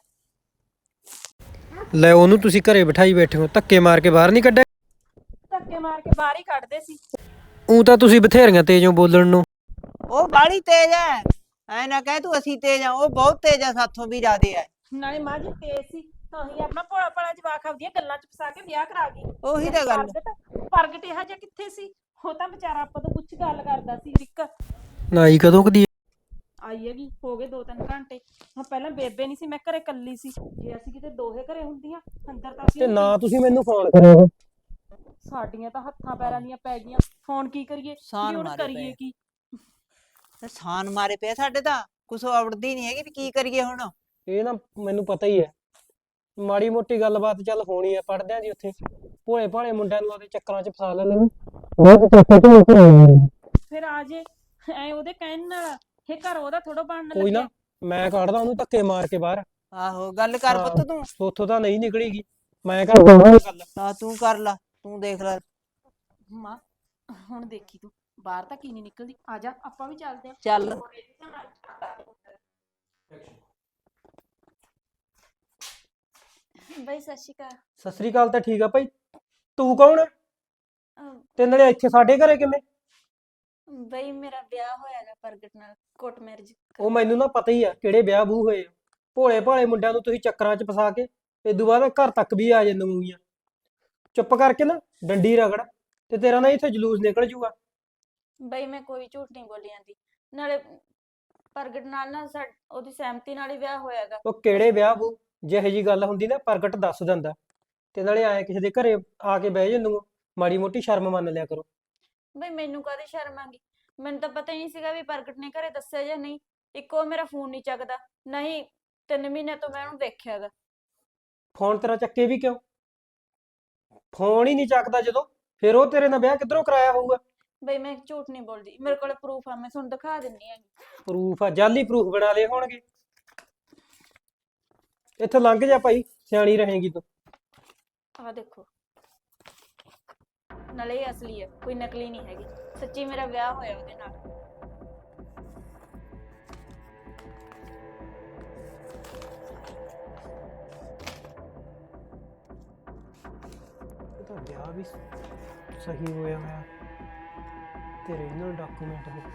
S5: ਲੈ, ਉਹਨੂੰ ਤੁਸੀਂ ਘਰੇ ਬਿਠਾਈ ਬੈਠੇ ਹੋ, ਧੱਕੇ ਮਾਰ ਕੇ ਬਾਹਰ ਨਹੀਂ ਕੱਢਿਆ?
S2: ਧੱਕੇ ਮਾਰ ਕੇ ਬਾਹਰ ਹੀ ਕੱਢਦੇ ਸੀ।
S5: ਉਹ ਤਾਂ ਤੁਸੀਂ ਬਥੇਰੀਆਂ ਤੇਜ਼ੋਂ ਬੋਲਣ ਨੂੰ।
S3: ਉਹ ਬਾੜੀ ਤੇਜ਼ ਹੈ, ਐ ਨਾ ਕਹਿ ਤੂੰ ਅਸੀਂ ਤੇਜ਼ ਆ। ਉਹ ਬਹੁਤ ਤੇਜ਼ ਆ, ਸਾਥੋਂ ਵੀ ਜ਼ਿਆਦੇ ਹੈ।
S2: ਨਾਲੇ ਮਾਂ ਜੀ ਤੇਜ਼ ਸੀ ਤਾਂ ਹੀ ਆਪਣਾ ਭੋਲਾ ਭਾਲਾ ਜਵਾਕ ਆਪਦੀਆਂ ਗੱਲਾਂ 'ਚ ਫਸਾ ਕੇ ਵਿਆਹ ਕਰਾ ਗਈ।
S3: ਉਹੀ ਤਾਂ ਗੱਲ।
S2: ਪ੍ਰਗਟ ਇਹੋ ਜਿਹਾ ਕਿੱਥੇ ਸੀ? ਉਹ ਤਾਂ ਵਿਚਾਰਾ ਆਪਾਂ ਤੋਂ ਕੁਛ ਗੱਲ ਕਰਦਾ ਸੀ। ਰਿਕ
S5: ਨਾਈ ਕਦੋਂ ਕਦੀ?
S2: ਆਈ ਹੈਗੀ, ਹੋ ਗਏ 2-3 ਘੰਟੇ। ਹੁਣ ਪਹਿਲਾਂ ਬੇਬੇ ਨਹੀਂ ਸੀ, ਮੈਂ ਘਰੇ ਕੱਲੀ ਸੀ। ਜੇ ਅਸੀਂ ਕਿਤੇ ਦੋਹੇ ਘਰੇ ਹੁੰਦੀਆਂ, ਅੰਦਰ ਤਾਂ
S5: ਤੇ
S2: ਅਸੀਂ
S5: ਨਾ ਤੁਸੀਂ ਮੈਨੂੰ ਫੋਨ ਕਰਿਆ।
S2: ਸਾਡੀਆਂ ਤਾਂ ਹੱਥਾਂ ਪੈਰਾਂ ਦੀਆਂ ਪੈ ਗਈਆਂ। ਫੋਨ ਕੀ ਕਰੀਏ?
S3: ਸਾਨ
S2: ਵੀ ਹੁਣ
S3: ਮਾਰੇ
S2: ਕਰੀਏ
S3: ਪਏ।
S2: ਕੀ?
S3: ਸਾਨ ਮਾਰੇ ਪਏ ਸਾਡੇ ਤਾਂ, ਕੁਛ ਆਵੜਦੀ ਨਹੀਂ ਹੈਗੀ ਵੀ ਕੀ ਕਰੀਏ ਹੁਣ।
S5: ਇਹ ਨਾ ਮੈਨੂੰ ਪਤਾ ਹੀ ਹੈ, ਮਾੜੀ ਮੋਟੀ ਗੱਲਬਾਤ ਚੱਲ ਹੋਣੀ ਹੈ। ਪੜਦਿਆਂ ਜੀ ਉੱਥੇ ਭੋਲੇ ਭਾਲੇ ਮੁੰਡਿਆਂ ਨੂੰ ਉਹਦੇ ਚੱਕਰਾਂ 'ਚ ਫਸਾ ਲੈਂਦੇ ਨੇ।
S2: ਫਿਰ ਆ ਜੇ ਐ ਉਹਦੇ ਕਹਿਣ ਨਾਲ ਇਹ ਘਰ ਉਹਦਾ ਥੋੜਾ ਬਣਨ
S5: ਕੋਈ ਨਾ,
S2: ਲੱਗਿਆ।
S5: ਮੈਂ ਕੱਢਦਾ ਉਹਨੂੰ ਧੱਕੇ ਮਾਰ ਕੇ ਬਾਹਰ।
S3: ਆਹੋ ਗੱਲ ਕਰ
S5: ਹਾਂ।
S3: ਪੁੱਤ ਤੂੰ।
S5: ਉੱਥੋਂ ਤਾਂ ਨਹੀਂ ਨਿਕਲੇਗੀ, ਮੈਂ ਕਰਦਾ ਗੱਲ।
S3: ਹਾਂ ਤੂੰ ਕਰ ਲਾ, ਤੂੰ ਦੇਖ ਲੈ।
S2: ਮਾਂ ਹੁਣ ਦੇਖੀ ਤੂੰ, ਬਾਹਰ ਤਾਂ ਕੀ ਨਹੀਂ ਨਿਕਲਦੀ। ਆ ਜਾ ਆਪਾਂ ਵੀ ਚੱਲਦੇ ਆਂ।
S3: ਚੱਲ।
S1: ਬਈ ਸਤਿ ਸ਼੍ਰੀ ਅਕਾਲ।
S5: ਸਤਿ ਸ੍ਰੀ ਅਕਾਲ ਤਾਂ ਠੀਕ ਆ ਭਾਈ, ਤੂੰ ਕੌਣ ਹੈ? ਤੇ ਨਾਲੇ ਇੱਥੇ ਸਾਡੇ ਘਰੇ ਕਿਵੇਂ?
S1: ਬਈ ਮੇਰਾ ਵਿਆਹ ਹੋਇਆਗਾ ਪ੍ਰਗਟ ਨਾਲ, ਕੋਰਟ ਮੈਰਿਜ।
S5: ਉਹ ਮੈਨੂੰ ਨਾ ਪਤਾ ਹੀ ਆ ਕਿਹੜੇ ਵਿਆਹ ਬੂ ਹੋਏ ਆ। ਭੋਲੇ ਭਾਲੇ ਮੁੰਡਿਆਂ ਨੂੰ ਤੁਸੀਂ ਚੱਕਰਾਂ 'ਚ ਫਸਾ ਕੇ ਇਦੋਂ ਬਾਅਦ ਘਰ ਤੱਕ ਵੀ ਆ ਜਾਂਦੀਆਂ ਮੂੰਗੀਆਂ। ਚੁੱਪ ਕਰਕੇ ਨਾ ਡੰਡੀ ਰਗੜ, ਤੇ ਤੇਰਾ ਨਾ ਇੱਥੇ ਜਲੂਸ ਨਿਕਲ ਜੂਗਾ।
S1: ਬਈ ਮੈਂ ਕੋਈ ਝੂਠ ਨਹੀਂ ਬੋਲੀ ਜਾਂਦੀ। ਨਾਲੇ ਪ੍ਰਗਟ ਨਾਲ ਨਾ ਉਹਦੀ ਸਹਿਮਤੀ ਨਾਲ ਹੀ ਵਿਆਹ ਹੋਇਆਗਾ।
S5: ਉਹ ਕਿਹੜੇ ਵਿਆਹ ਬੂ? ਜਿਹੋ ਜੀ ਗੱਲ ਹੁੰਦੀ ਨਾ ਪ੍ਰਗਟ ਦੱਸ ਦਿੰਦਾ। ਤੇ ਨਾਲੇ ਆਏ ਕਿਸੇ ਦੇ ਘਰੇ ਆ ਕੇ ਬਹਿ ਜਾਂਦੇ, ਮਾੜੀ ਮੋਟੀ ਸ਼ਰਮ ਮੰਨ ਲਿਆ ਕਰੋ।
S1: ਬਈ ਮੈਨੂੰ ਕਾਹਦੀ ਸ਼ਰਮ ਆਂਗੀ? ਮੈਨੂੰ ਤਾਂ ਪਤਾ ਹੀ ਨਹੀਂ ਸੀਗਾ ਵੀ ਪ੍ਰਗਟ ਨੇ ਘਰੇ ਦੱਸਿਆ ਜਾਂ ਨਹੀਂ। ਇੱਕੋ ਮੇਰਾ ਫੋਨ ਨਹੀਂ ਚੱਕਦਾ, ਨਹੀਂ 3 ਮਹੀਨੇ ਤੋਂ ਮੈਂ ਉਹਨੂੰ ਦੇਖਿਆਗਾ।
S5: ਫੋਨ ਤੇਰਾ ਚੱਕੇ ਵੀ ਕਿਉਂ? ਫੋਨ ਹੀ ਨਹੀਂ ਚੱਕਦਾ ਜਦੋਂ, ਫਿਰ ਉਹ ਤੇਰੇ ਨਾਲ ਵਿਆਹ ਕਿੱਧਰੋਂ ਕਰਾਇਆ ਹੋਊਗਾ?
S1: ਬਈ ਮੈਂ ਝੂਠ ਨਹੀਂ ਬੋਲਦੀ, ਮੇਰੇ ਕੋਲ ਪ੍ਰੂਫ ਆ, ਮੈਂ ਤੁਹਾਨੂੰ ਦਿਖਾ ਦਿੰਨੀ ਹੈਗੀ।
S5: ਪ੍ਰੂਫ ਆ? ਜਾਲੀ ਪ੍ਰੂਫ ਬਣਾ ਲਏ ਹੋਣਗੇ। ਇੱਥੇ ਲੰਘ ਜਾ ਭਾਈ, ਸਿਆਣੀ ਰਹੇਗੀ ਤੂੰ।
S1: ਆਹ ਦੇਖੋ, ਨਾਲੇ ਇਹ ਅਸਲੀ ਹੈ, ਕੋਈ ਨਕਲੀ ਨਹੀਂ ਹੈਗੀ। ਸੱਚੀ ਮੇਰਾ ਵਿਆਹ ਹੋਇਆ ਉਹਦੇ ਨਾਲ।
S5: ਇਹ ਤਾਂ ਵਿਆਹ ਆ ਵੀ ਸਹੀ ਹੋਇਆ ਹੋਇਆ ਤੇ ਰੀਜਨਲ ਡਾਕੂਮੈਂਟ ਨੇ।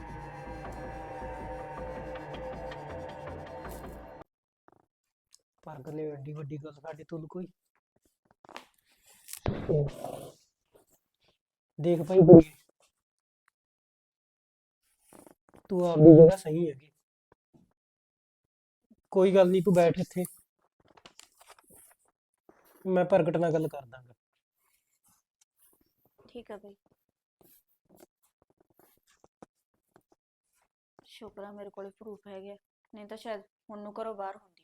S5: ਪ੍ਰਗਟ ਨੇ ਐਡੀ ਵੱਡੀ ਗੱਲ ਸਾਡੇ ਤੋਂ ਕੋਈ ਦੇਖ ਭਾਈ ਕੁੜੀਏ, ਤੂੰ ਆਪਦੀ ਜਗ੍ਹਾ ਸਹੀ ਹੈਗੀ, ਕੋਈ ਗੱਲ ਨਹੀਂ, ਤੂੰ ਬੈਠ ਇੱਥੇ, ਮੈਂ ਪ੍ਰਗਟ ਨਾਲ ਗੱਲ ਕਰ ਦਾਂਗਾ।
S1: ਠੀਕ ਆ ਬਈ, ਸ਼ੁਕਰ ਆ ਮੇਰੇ ਕੋਲੇ ਪ੍ਰੂਫ ਹੈਗੇ ਆ, ਨਹੀਂ ਤਾਂ ਸ਼ਾਇਦ ਹੁਣ ਨੂੰ ਘਰੋਂ ਬਾਹਰ ਹੁੰਦੀ।